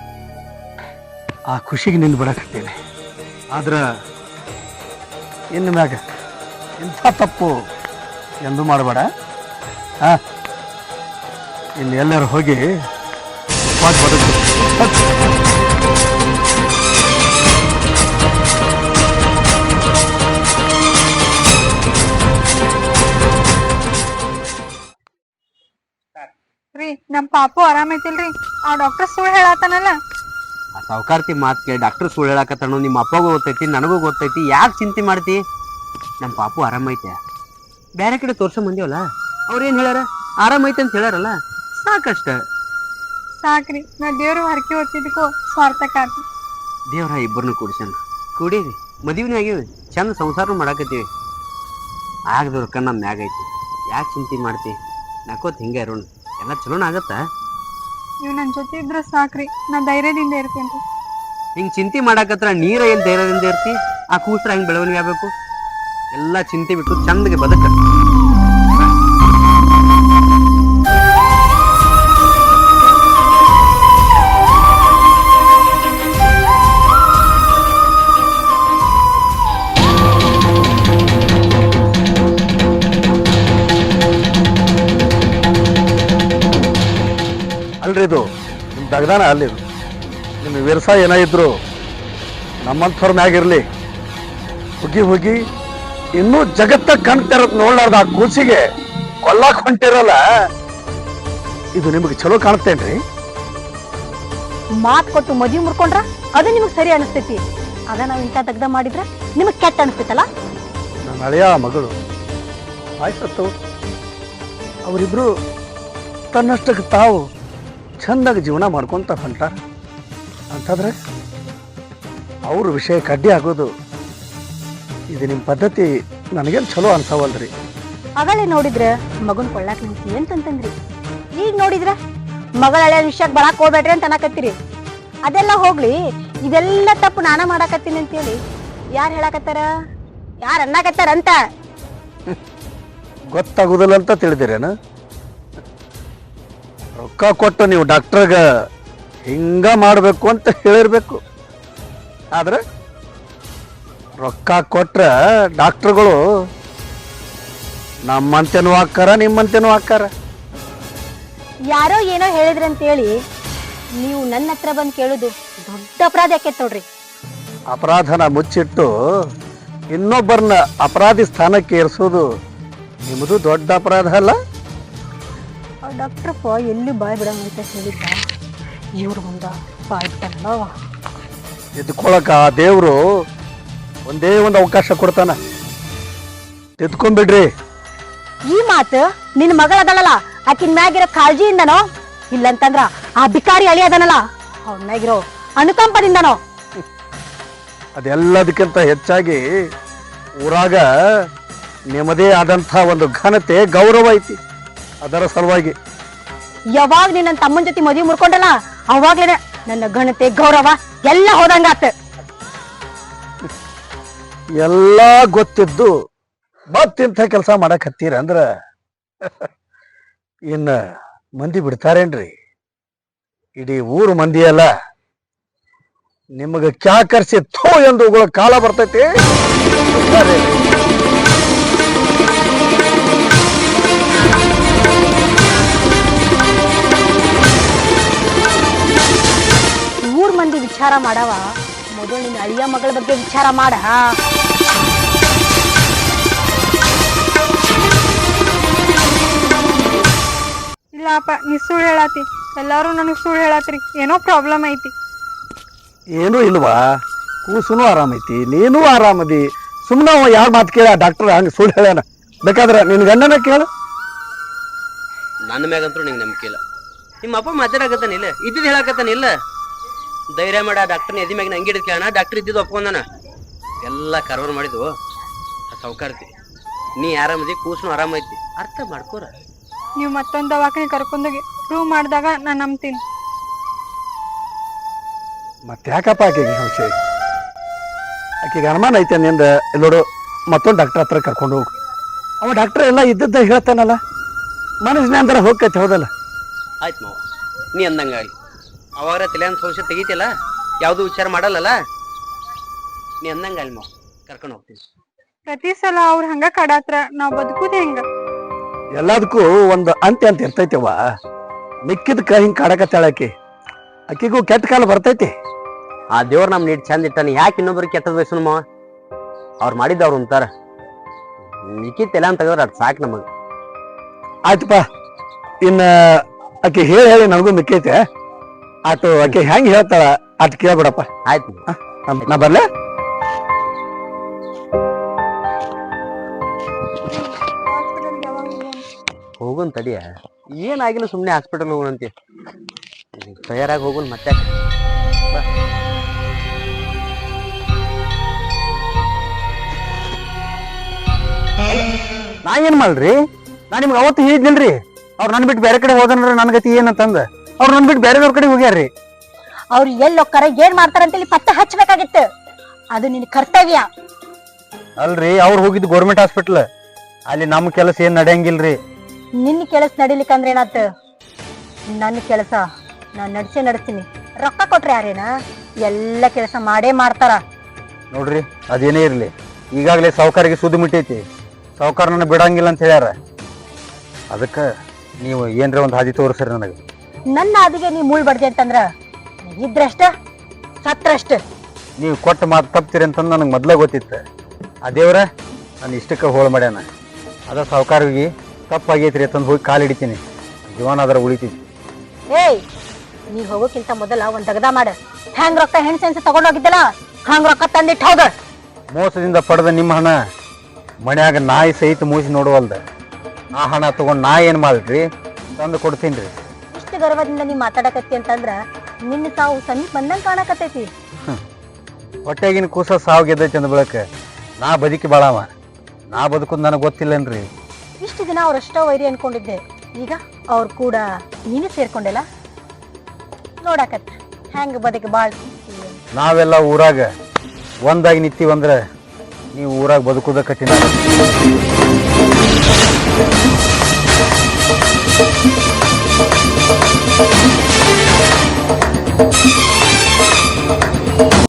[SPEAKER 4] ಆ ಖುಷಿಗೆ ನಿಂದು ಬಿಡಕತ್ತೇನೆ. ಆದ್ರೆ ಇನ್ನು ಮ್ಯಾಗ ಇಂಥ ತಪ್ಪು ಎಂದೂ ಮಾಡಬೇಡ. ಹಾ, ಇಲ್ಲಿ ಎಲ್ಲರೂ ಹೋಗಿ ಸುಖವಾಗಿ ಬದುಕು.
[SPEAKER 2] ರೀ ನಮ್ ಪಾಪು ಆರಾಮೈತಿಲ್ರಿ? ಆ ಡಾಕ್ಟರ್ ಸುಳ್ಳು ಹೇಳತ್ತಾನಲ್ಲ.
[SPEAKER 1] ಆ ಸಾವುಕಾರ್ತಿ ಮಾತು ಕೇಳಿ ಡಾಕ್ಟರ್ ಸುಳ್ಳು ಹೇಳಕತ್ತಾನು. ನಿಮ್ಮ ಅಪ್ಪಗೂ ಗೊತ್ತೈತಿ, ನನಗೂ ಗೊತ್ತೈತಿ. ಯಾಕೆ ಚಿಂತೆ ಮಾಡ್ತಿ? ನಮ್ಮ ಪಾಪು ಆರಾಮೈತೆ. ಬೇರೆ ಕಡೆ ತೋರ್ಸೋ ಮಂದಿವಲ್ಲ, ಅವ್ರು ಏನು ಹೇಳ್ಯಾರ? ಆರಾಮೈತೆ ಅಂತ ಹೇಳ್ಯಾರಲ್ಲ, ಸಾಕಷ್ಟ.
[SPEAKER 2] ಸಾಕ್ರಿ, ನಾ ದೇವ್ರು ಹರಕೆ ಹೊತ್ತಿದ್ಕೋ ಸ್ವಾರ್ಥಕ್ಕಾತಿ.
[SPEAKER 1] ದೇವ್ರ ಇಬ್ಬರನ್ನು ಕೂಡ್ಸನ್ ಕೂಡೀವಿ, ಮದುವೆನೇ ಆಗೀವಿ, ಚಂದ ಸಂಸಾರ ಮಾಡಾಕತ್ತೀವಿ. ಆಗದವ್ರ ಕಣ್ಣ ಮ್ಯಾಗ ಐತಿ. ಯಾಕೆ ಚಿಂತೆ ಮಾಡ್ತಿ? ನಾಕೋತ್ ಹಿಂಗೆ ಇರೋಣ, ಎಲ್ಲ ಚಲೋನ ಆಗತ್ತ.
[SPEAKER 2] ನೀವು ನನ್ನ ಜೊತೆ ಇದ್ರೆ ಸಾಕ್ರಿ, ನಾ ಧೈರ್ಯದಿಂದ ಇರ್ತೇನ್ರಿ.
[SPEAKER 1] ಹಿಂಗೆ ಚಿಂತೆ ಮಾಡಾಕತ್ರ ನೀರ ಏನು ಧೈರ್ಯದಿಂದ ಇರ್ತಿ? ಆ ಕೂಸ್ರ ಹೆಂಗೆ ಬೆಳವಣಿಗೆ ಆಗಬೇಕು? ಎಲ್ಲ ಚಿಂತೆ ಬಿಟ್ಟು ಚಂದಗೆ ಬದುಕ.
[SPEAKER 4] ಅಲ್ರಿ, ಇದು ನಿಮ್ಮ ದಗದಾನ ಅಲ್ಲಿದು. ನಿಮ್ಮ ವಿರಸ ಏನಾಗಿದ್ರು ನಮ್ಮಂಥವ್ರ ಮ್ಯಾಗಿರ್ಲಿ. ಹುಗಿ ಹುಗಿ ಇನ್ನೂ ಜಗತ್ತ ಕಾಣ್ತಿರತ್ ನೋಡ್ಲಾರ್ದ ಆ ಕೂಸಿಗೆ ಕೊಲ್ಲಾಕ್ ಹೊಂಟಿರಲ್ಲ, ಇದು ನಿಮಗೆ ಚಲೋ ಕಾಣ್ತೇನ್ರಿ?
[SPEAKER 6] ಮಾತ್ ಕೊಟ್ಟು ಮದ್ವಿ ಮುರ್ಕೊಂಡ್ರ ಅದು ನಿಮಗ್ ಸರಿ ಅನಿಸ್ತೈತಿ. ಅದ ನಾವ್ ಇಂಥ ದಗ್ದ ಮಾಡಿದ್ರ ನಿಮಗ್ ಕೆಟ್ಟ ಅನಿಸ್ತೈತಲ್ಲ.
[SPEAKER 4] ನನ್ನ ಹಳೆಯ ಮಗಳು ಆಯ್ಸತ್ತು, ಅವರಿಬ್ರು ತನ್ನಷ್ಟಕ್ಕೆ ತಾವು ಚಂದಾಗಿ ಜೀವನ ಮಾಡ್ಕೊಂತ ಹೊಂಟ ಅಂತಂದ್ರೆ ಅವ್ರ ವಿಷಯಕ್ಕೆ ಅಡ್ಡಿ ಆಗೋದು ಇದು ನಿಮ್ಮ ಪದ್ಧತಿ ನನಗೇನು ಚಲೋ ಅನ್ಸವಲ್ರಿ.
[SPEAKER 6] ಅಗಳೇ ನೋಡಿದ್ರ ಮಗನ್ ಕೊಳ್ಳಾಕ್ ನಿಂತಿ ಅಂತಂತಂದ್ರಿ, ಈಗ ನೋಡಿದ್ರ ಮಗಳ ಹಳೆ ವಿಷಯಕ್ಕೆ ಬರಾಕ್ ಹೋಗ್ಬೇಡ್ರಿ ಅಂತ ಅನ್ನಕತ್ತೀರಿ. ಅದೆಲ್ಲ ಹೋಗ್ಲಿ, ಇದೆಲ್ಲ ತಪ್ಪು ನಾನ ಮಾಡಾಕತ್ತೀನಿ ಅಂತೇಳಿ ಯಾರು ಹೇಳಾಕತ್ತಾರ, ಯಾರು ಅನ್ನಕತ್ತಾರ ಅಂತ
[SPEAKER 4] ಗೊತ್ತಾಗುದಿಲ್ಲ ಅಂತ ತಿಳಿದಿರೇನ? ರೊಕ್ಕ ಕೊಟ್ಟು ನೀವು ಡಾಕ್ಟರ್ಗ ಹಿಂಗ ಮಾಡಬೇಕು ಅಂತ ಹೇಳಿರ್ಬೇಕು. ಆದ್ರೆ ರೊಕ್ಕ ಕೊಟ್ರ ಡಾಕ್ಟರ್ಗಳು ನಮ್ಮಂತೆನೂ ಹಾಕಾರ, ನಿಮ್ಮಂತೆನೂ ಹಾಕಾರ.
[SPEAKER 6] ಯಾರೋ ಏನೋ ಹೇಳಿದ್ರಿ ಅಂತೇಳಿ ನೀವು ನನ್ನ ಹತ್ರ ಬಂದು ಕೇಳುದು ದೊಡ್ಡ ಅಪರಾಧ ಯಾಕೆ ನೋಡ್ರಿ.
[SPEAKER 4] ಅಪರಾಧನ ಮುಚ್ಚಿಟ್ಟು ಇನ್ನೊಬ್ಬರನ್ನ ಅಪರಾಧಿ ಸ್ಥಾನಕ್ಕೆ ಏರಿಸೋದು ನಿಮ್ಮದು ದೊಡ್ಡ ಅಪರಾಧ ಅಲ್ಲ?
[SPEAKER 6] ಡಾಕ್ಟ್ರಪ್ಪ ಎಲ್ಲಿ ಬಾಯ್ ಬಿಡಂತ ಹೇಳಿದ್ದ, ಇವ್ರ ಮುಂದ ಬಾಯ್ ಬಿಟ್ಟಲ್ಲ.
[SPEAKER 4] ಎದ್ಕೊಳಕ ಆ ದೇವ್ರು ಒಂದೇ ಒಂದು ಅವಕಾಶ ಕೊಡ್ತಾನ, ಎದ್ಕೊಂಡ್ಬಿಡ್ರಿ.
[SPEAKER 6] ಈ ಮಾತು ನಿನ್ ಮಗಳದಳಲ್ಲ ಆಕಿನ್ ಮ್ಯಾಗಿರೋ ಕಾಳಜಿಯಿಂದನೋ ಇಲ್ಲಂತಂದ್ರ ಆ ಬಿಕಾರಿ ಅಳಿ ಅದನಲ್ಲ ಅವನ ಮ್ಯಾಗಿರೋ ಅನುಕಂಪದಿಂದನೋ?
[SPEAKER 4] ಅದೆಲ್ಲದಕ್ಕಿಂತ ಹೆಚ್ಚಾಗಿ ಊರಾಗ ನಿಮ್ಮದೇ ಆದಂಥ ಒಂದು ಘನತೆ, ಗೌರವ ಐತಿ. ಅದರ ಸಲುವಾಗಿ
[SPEAKER 6] ಯಾವಾಗ ನೀನ್ ನನ್ನ ತಮ್ಮನ ಜೊತೆ ಮದುವೆ ಮುರ್ಕೊಂಡಲ್ಲ ಅವಾಗ್ಲೇನೆ ನನ್ನ ಘನತೆ, ಗೌರವ ಎಲ್ಲ ಹೋದಂಗಾತ.
[SPEAKER 4] ಎಲ್ಲ ಗೊತ್ತಿದ್ದು ಮತ್ತಿಂಥ ಕೆಲಸ ಮಾಡಕ್ ಹತ್ತೀರ ಅಂದ್ರ ಇನ್ನ ಮಂದಿ ಬಿಡ್ತಾರೇನ್ರಿ? ಇಡೀ ಊರು ಮಂದಿ ಅಲ್ಲ, ನಿಮಗ ಕ್ಯಾಕರ್ಸಿ ಥೋ ಎಂದು ಉಗುಳ ಕಾಲ ಬರ್ತೈತಿ.
[SPEAKER 6] ಊರ್ ಮಂದಿ ವಿಚಾರ ಮಾಡವ ಮೊದಲು ನಿನ್ನ ಅಳಿಯ ಮಗಳ ಬಗ್ಗೆ ವಿಚಾರ ಮಾಡ.
[SPEAKER 2] ಇಲ್ಲಪ್ಪ, ನೀ ಸುಳ್ಳು ಹೇಳಾತಿ. ಎಲ್ಲಾರು ನನಗ್ ಸುಳ್ಳು ಹೇಳಾತ್ರಿ. ಏನೋ ಪ್ರಾಬ್ಲಮ್ ಐತಿ.
[SPEAKER 4] ಏನೂ ಇಲ್ವಾ? ಕೂಸುನು ಆರಾಮೈತಿ, ನೀನು ಆರಾಮದಿ, ಸುಮ್ಮನೆ ಅವ ಯಾರ ಮಾತು ಕೇಳ ಡಾಕ್ಟರ್ ಹಂಗೆ ಸುಳ್ಳು ಹೇಳ್ಯಾನ. ಬೇಕಾದ್ರೆ ನಿನ್ ಗಂಡನ ಕೇಳು.
[SPEAKER 1] ನನ್ನ ಮ್ಯಾಗಂತೂ ನಿಂಗೆ ನಂಬಿಕೆ ಇಲ್ಲ. ನಿಮ್ಮ ಅಪ್ಪ ಮಾತಾಡಕತ್ತಾನ ಇಲ್ಲ, ಇದ್ದಿದ್ದು ಹೇಳಕತ್ತಾನ ಇಲ್ಲ. ಧೈರ್ಯ ಮಾಡ ಡಾಕ್ಟರ್ನ ಎದಿ ಮ್ಯಾಗ ನಂಗೆ ಹಿಡಿದು ಕೇಳೋಣ. ಡಾಕ್ಟರ್ ಇದ್ದಿದ್ದು ಒಪ್ಕೊಂಡಾನ. ಎಲ್ಲ ಕರ್ವರ್ ಮಾಡಿದ್ವು ಆ ಸೌಕಾರ್ತಿ. ನೀ ಆರಾಮದಿ, ಕೂಸ್ನು ಆರಾಮೈತಿ, ಅರ್ಥ ಮಾಡ್ಕೋರ.
[SPEAKER 2] ನೀವು ಮತ್ತೊಂದು ದವಾಖಾನೆ ಕರ್ಕೊಂಡೋಗಿ ಪ್ರೂವ್ ಮಾಡಿದಾಗ ನಾನು ನಂಬ್ತೀನಿ.
[SPEAKER 4] ಮತ್ತೆ ಯಾಕಪ್ಪ ಆಕೆಗೆ ಸಂಶಯ? ಆಕೆಗೆ ಅನುಮಾನ ಐತೆ ನಿಂದ. ನೋಡು, ಮತ್ತೊಂದು ಡಾಕ್ಟರ್ ಹತ್ರ ಕರ್ಕೊಂಡು ಹೋಗು. ಅವ ಡಾಕ್ಟರ್ ಎಲ್ಲ ಇದ್ದದ್ದ ಹೇಳ್ತಾನಲ್ಲ, ಮನಸ್ಸಿನ ಅಂದ್ರೆ ಹೋಗ್ತೈತೆ. ಹೌದಲ್ಲ?
[SPEAKER 1] ಆಯ್ತು ಮಾವ, ನೀ ಅಂದಂಗಾಗಲಿ. ಅವಾಗ ತಲೆಯನ್ ಸಂಶಯ ತೆಗಿತಿಲ್ಲ, ಯಾವುದು ವಿಚಾರ ಮಾಡಲ್ಲಲ್ಲ. ನೀ ಅಂದಂಗಾಗಲಿ ಮಾವ, ಕರ್ಕೊಂಡು ಹೋಗ್ತೀನಿ.
[SPEAKER 2] ಪ್ರತಿ ಸಲ ಅವ್ರು ಹಂಗ ಕಡಾತ್ರ ನಾವ್ ಬದುಕುದ ಹೆಂಗ?
[SPEAKER 4] ಎಲ್ಲದಕ್ಕೂ ಒಂದು ಅಂತ್ಯ ಅಂತ ಇರ್ತೈತೆವ. ಮಿಕ್ಕಿದಕ್ಕ ಹಿಂಗ್ ಕಾಡಕತ್ತಾಳ ಆಕಿ. ಆಕಿಗೂ ಕೆಟ್ಟ ಕಾಲ ಬರ್ತೈತಿ.
[SPEAKER 1] ಆ ದೇವ್ರ ನಮ್ ನೀಡ್ ಚಂದ ಇಟ್ಟಾನ, ಯಾಕೆ ಇನ್ನೊಬ್ರಿಗೆ ಕೆಟ್ಟದ್ ಬಯಸು ಮಾವ? ಅವ್ರು ಮಾಡಿದ್ದ ಅವ್ರು ಅಂತಾರ. ಮಿಕ್ಕಿದ ತಲೆ ಅಂತ ತೆಗೆದ್ರೆ ಅದು ಸಾಕು ನಮಗ.
[SPEAKER 4] ಆಯ್ತಪ್ಪ, ಇನ್ನ ಆಕೆ ಹೇಳಿ ಹೇಳಿ ನನಗೂ ಮಿಕ್ಕೈತೆ. ಆಟು ಆಕೆ ಹೆಂಗ್ ಹೇಳ್ತಾಳ ಅಟ್ ಕೇಳ್ಬಿಡಪ್ಪ.
[SPEAKER 1] ಆಯ್ತು
[SPEAKER 4] ನಾ ಬರ್ಲೆ.
[SPEAKER 1] ಹೋಗುನ್ ತಡಿಯ, ಏನಾಗಿಲ್ಲ, ಸುಮ್ಮನೆ ಹಾಸ್ಪಿಟಲ್ ಹೋಗೋಣಂತೆ. ತಯಾರಾಗಿ ಹೋಗುನ್ ಮತ್ತೆ. ಬಾ.
[SPEAKER 5] ನಾ ಏನ್ ಮಾಡ್ರಿ? ನಾ ನಿಮ್ಗೆ ಅವತ್ತು ಹೇಳಿದ್ನಿಲ್ರಿ, ಅವ್ರು ನನ್ ಬಿಟ್ಟು ಬೇರೆ ಕಡೆ ಹೋದನ್ರ ನನ್ ಗತಿ ಏನಂತಂದ. ಅವ್ರು ನನ್ ಬಿಟ್ಟು ಬೇರೆದವ್ರ ಕಡೆ ಹೋಗ್ಯಾರ್ರಿ.
[SPEAKER 6] ಅವ್ರು ಎಲ್ಲಿ ಹೋಗ್ತಾರ, ಏನ್ ಮಾಡ್ತಾರಂತೇಳಿ ಪತ್ತೆ ಹಚ್ಚಬೇಕಾಗಿತ್ತು. ಅದು ನಿನ್ ಕರ್ತವ್ಯ.
[SPEAKER 5] ಅಲ್ರಿ, ಅವ್ರು ಹೋಗಿದ್ದು ಗೌರ್ಮೆಂಟ್ ಹಾಸ್ಪಿಟ್ಲ್. ಅಲ್ಲಿ ನಮ್ ಕೆಲಸ ಏನ್ ನಡೆಯಂಗಿಲ್ರಿ.
[SPEAKER 6] ನಿನ್ನ ಕೆಲಸ ನಡಿಲಿಕ್ಕಂದ್ರೆ ಏನಾತ? ನನ್ನ ಕೆಲಸ ನಾನ್ ನಡ್ಸೇ ನಡ್ಸ್ತೀನಿ. ರೊಕ್ಕ ಕೊಟ್ರೆ ಯಾರೇನ ಎಲ್ಲ ಕೆಲಸ ಮಾಡೇ ಮಾಡ್ತಾರ.
[SPEAKER 5] ನೋಡ್ರಿ, ಅದೇನೇ ಇರ್ಲಿ, ಈಗಾಗಲೇ ಸಾವುಕಾರಿಗೆ ಸುದ್ದಿ ಮುಟ್ಟೈತಿ. ಸಾವುಕಾರ ನನ್ನ ಬಿಡಂಗಿಲ್ಲ ಅಂತ ಹೇಳ್ಯಾರ. ಅದಕ್ಕ ನೀವು ಏನ್ರ ಒಂದ್ ಹಾದಿ ತೋರಿಸ್ರಿ ನನಗೆ.
[SPEAKER 6] ನನ್ನ ಹಾದಿಗೆ ನೀ ಮುಳ್ ಬಡ್ದೆ ಅಂತಂದ್ರ ಇದ್ರಷ್ಟ ಸತ್ರಷ್ಟ.
[SPEAKER 5] ನೀವು ಕೊಟ್ಟ ಮಾತು ತಪ್ತೀರಿ ಅಂತಂದು ನನಗೆ ಮೊದ್ಲೇ ಗೊತ್ತಿತ್ತು. ಆ ದೇವ್ರ ನಾನು ಇಷ್ಟಕ್ಕೆ ಹೋಳು ಮಾಡ್ಯಾನ. ಅದ ಸಾವುಕಾರಿಗೆ ತಪ್ಪಾಗೈತ್ರಿ ಅಂತಂದು ಹೋಗಿ ಕಾಲು ಹಿಡಿತೀನಿ, ಜೀವನ ಅದರ ಉಳಿತೈತಿ.
[SPEAKER 6] ಏಯ್, ನೀ ಹೋಗೋಕ್ಕಿಂತ ಮೊದಲ ಒಂದ್ ತಗದ ಮಾಡ. ಹೆಂಗ್ ರೊಕ್ಕ ಹೆಣ್ ಸೆನ್ಸ್ ತಗೊಂಡೋಗಿದ್ದಲ್ಲ, ಹಂಗ್ ರೊಕ್ಕ ತಂದಿಟ್ಟು ಹೋಗ.
[SPEAKER 5] ಮೋಸದಿಂದ ಪಡೆದ ನಿಮ್ಮ ಹಣ ಮನ್ಯಾಗ ನಾಯಿ ಸಹಿತ ಮೂಸಿ ನೋಡುವಲ್ದ. ಆ ಹಣ ತಗೊಂಡ್ ನಾ ಏನ್ ಮಾಡ್ರಿ? ತಂದು ಕೊಡ್ತೀನಿ.
[SPEAKER 6] ಇಷ್ಟು ಗರ್ವದಿಂದ ನೀ ಮಾತಾಡಕತ್ತಿ ಅಂತಂದ್ರ ನಿನ್ನ ಸಾವು ಸಮೀಪ ಬಂದಂಗ ಕಾಣಕತ್ತೈತಿ.
[SPEAKER 5] ಹೊಟ್ಟೆಗಿನ ಕೂಸ ಸಾವು ಗೆದ್ದೈತಿ ಅಂದ ಬಳಕ ನಾ ಬದುಕಿ ಬಾಳವ. ನಾ ಬದುಕುದ್ ನನಗೆ ಗೊತ್ತಿಲ್ಲನ್ರಿ.
[SPEAKER 6] ಇಷ್ಟು ದಿನ ಅವ್ರಷ್ಟೋ ವೈರಿ ಅನ್ಕೊಂಡಿದ್ದೆ, ಈಗ ಅವ್ರ ಕೂಡ ನೀನು ಸೇರ್ಕೊಂಡೆಲ್ಲ. ನೋಡಾಕತ್ತ ಹೆಂಗ ಬದುಕಿ ಬಾಳ್.
[SPEAKER 5] ನಾವೆಲ್ಲ ಊರಾಗ ಒಂದಾಗಿ ನಿಂತೀವಂದ್ರ ನೀವು ಊರಾಗ ಬದುಕುದ ಕಠಿಣ.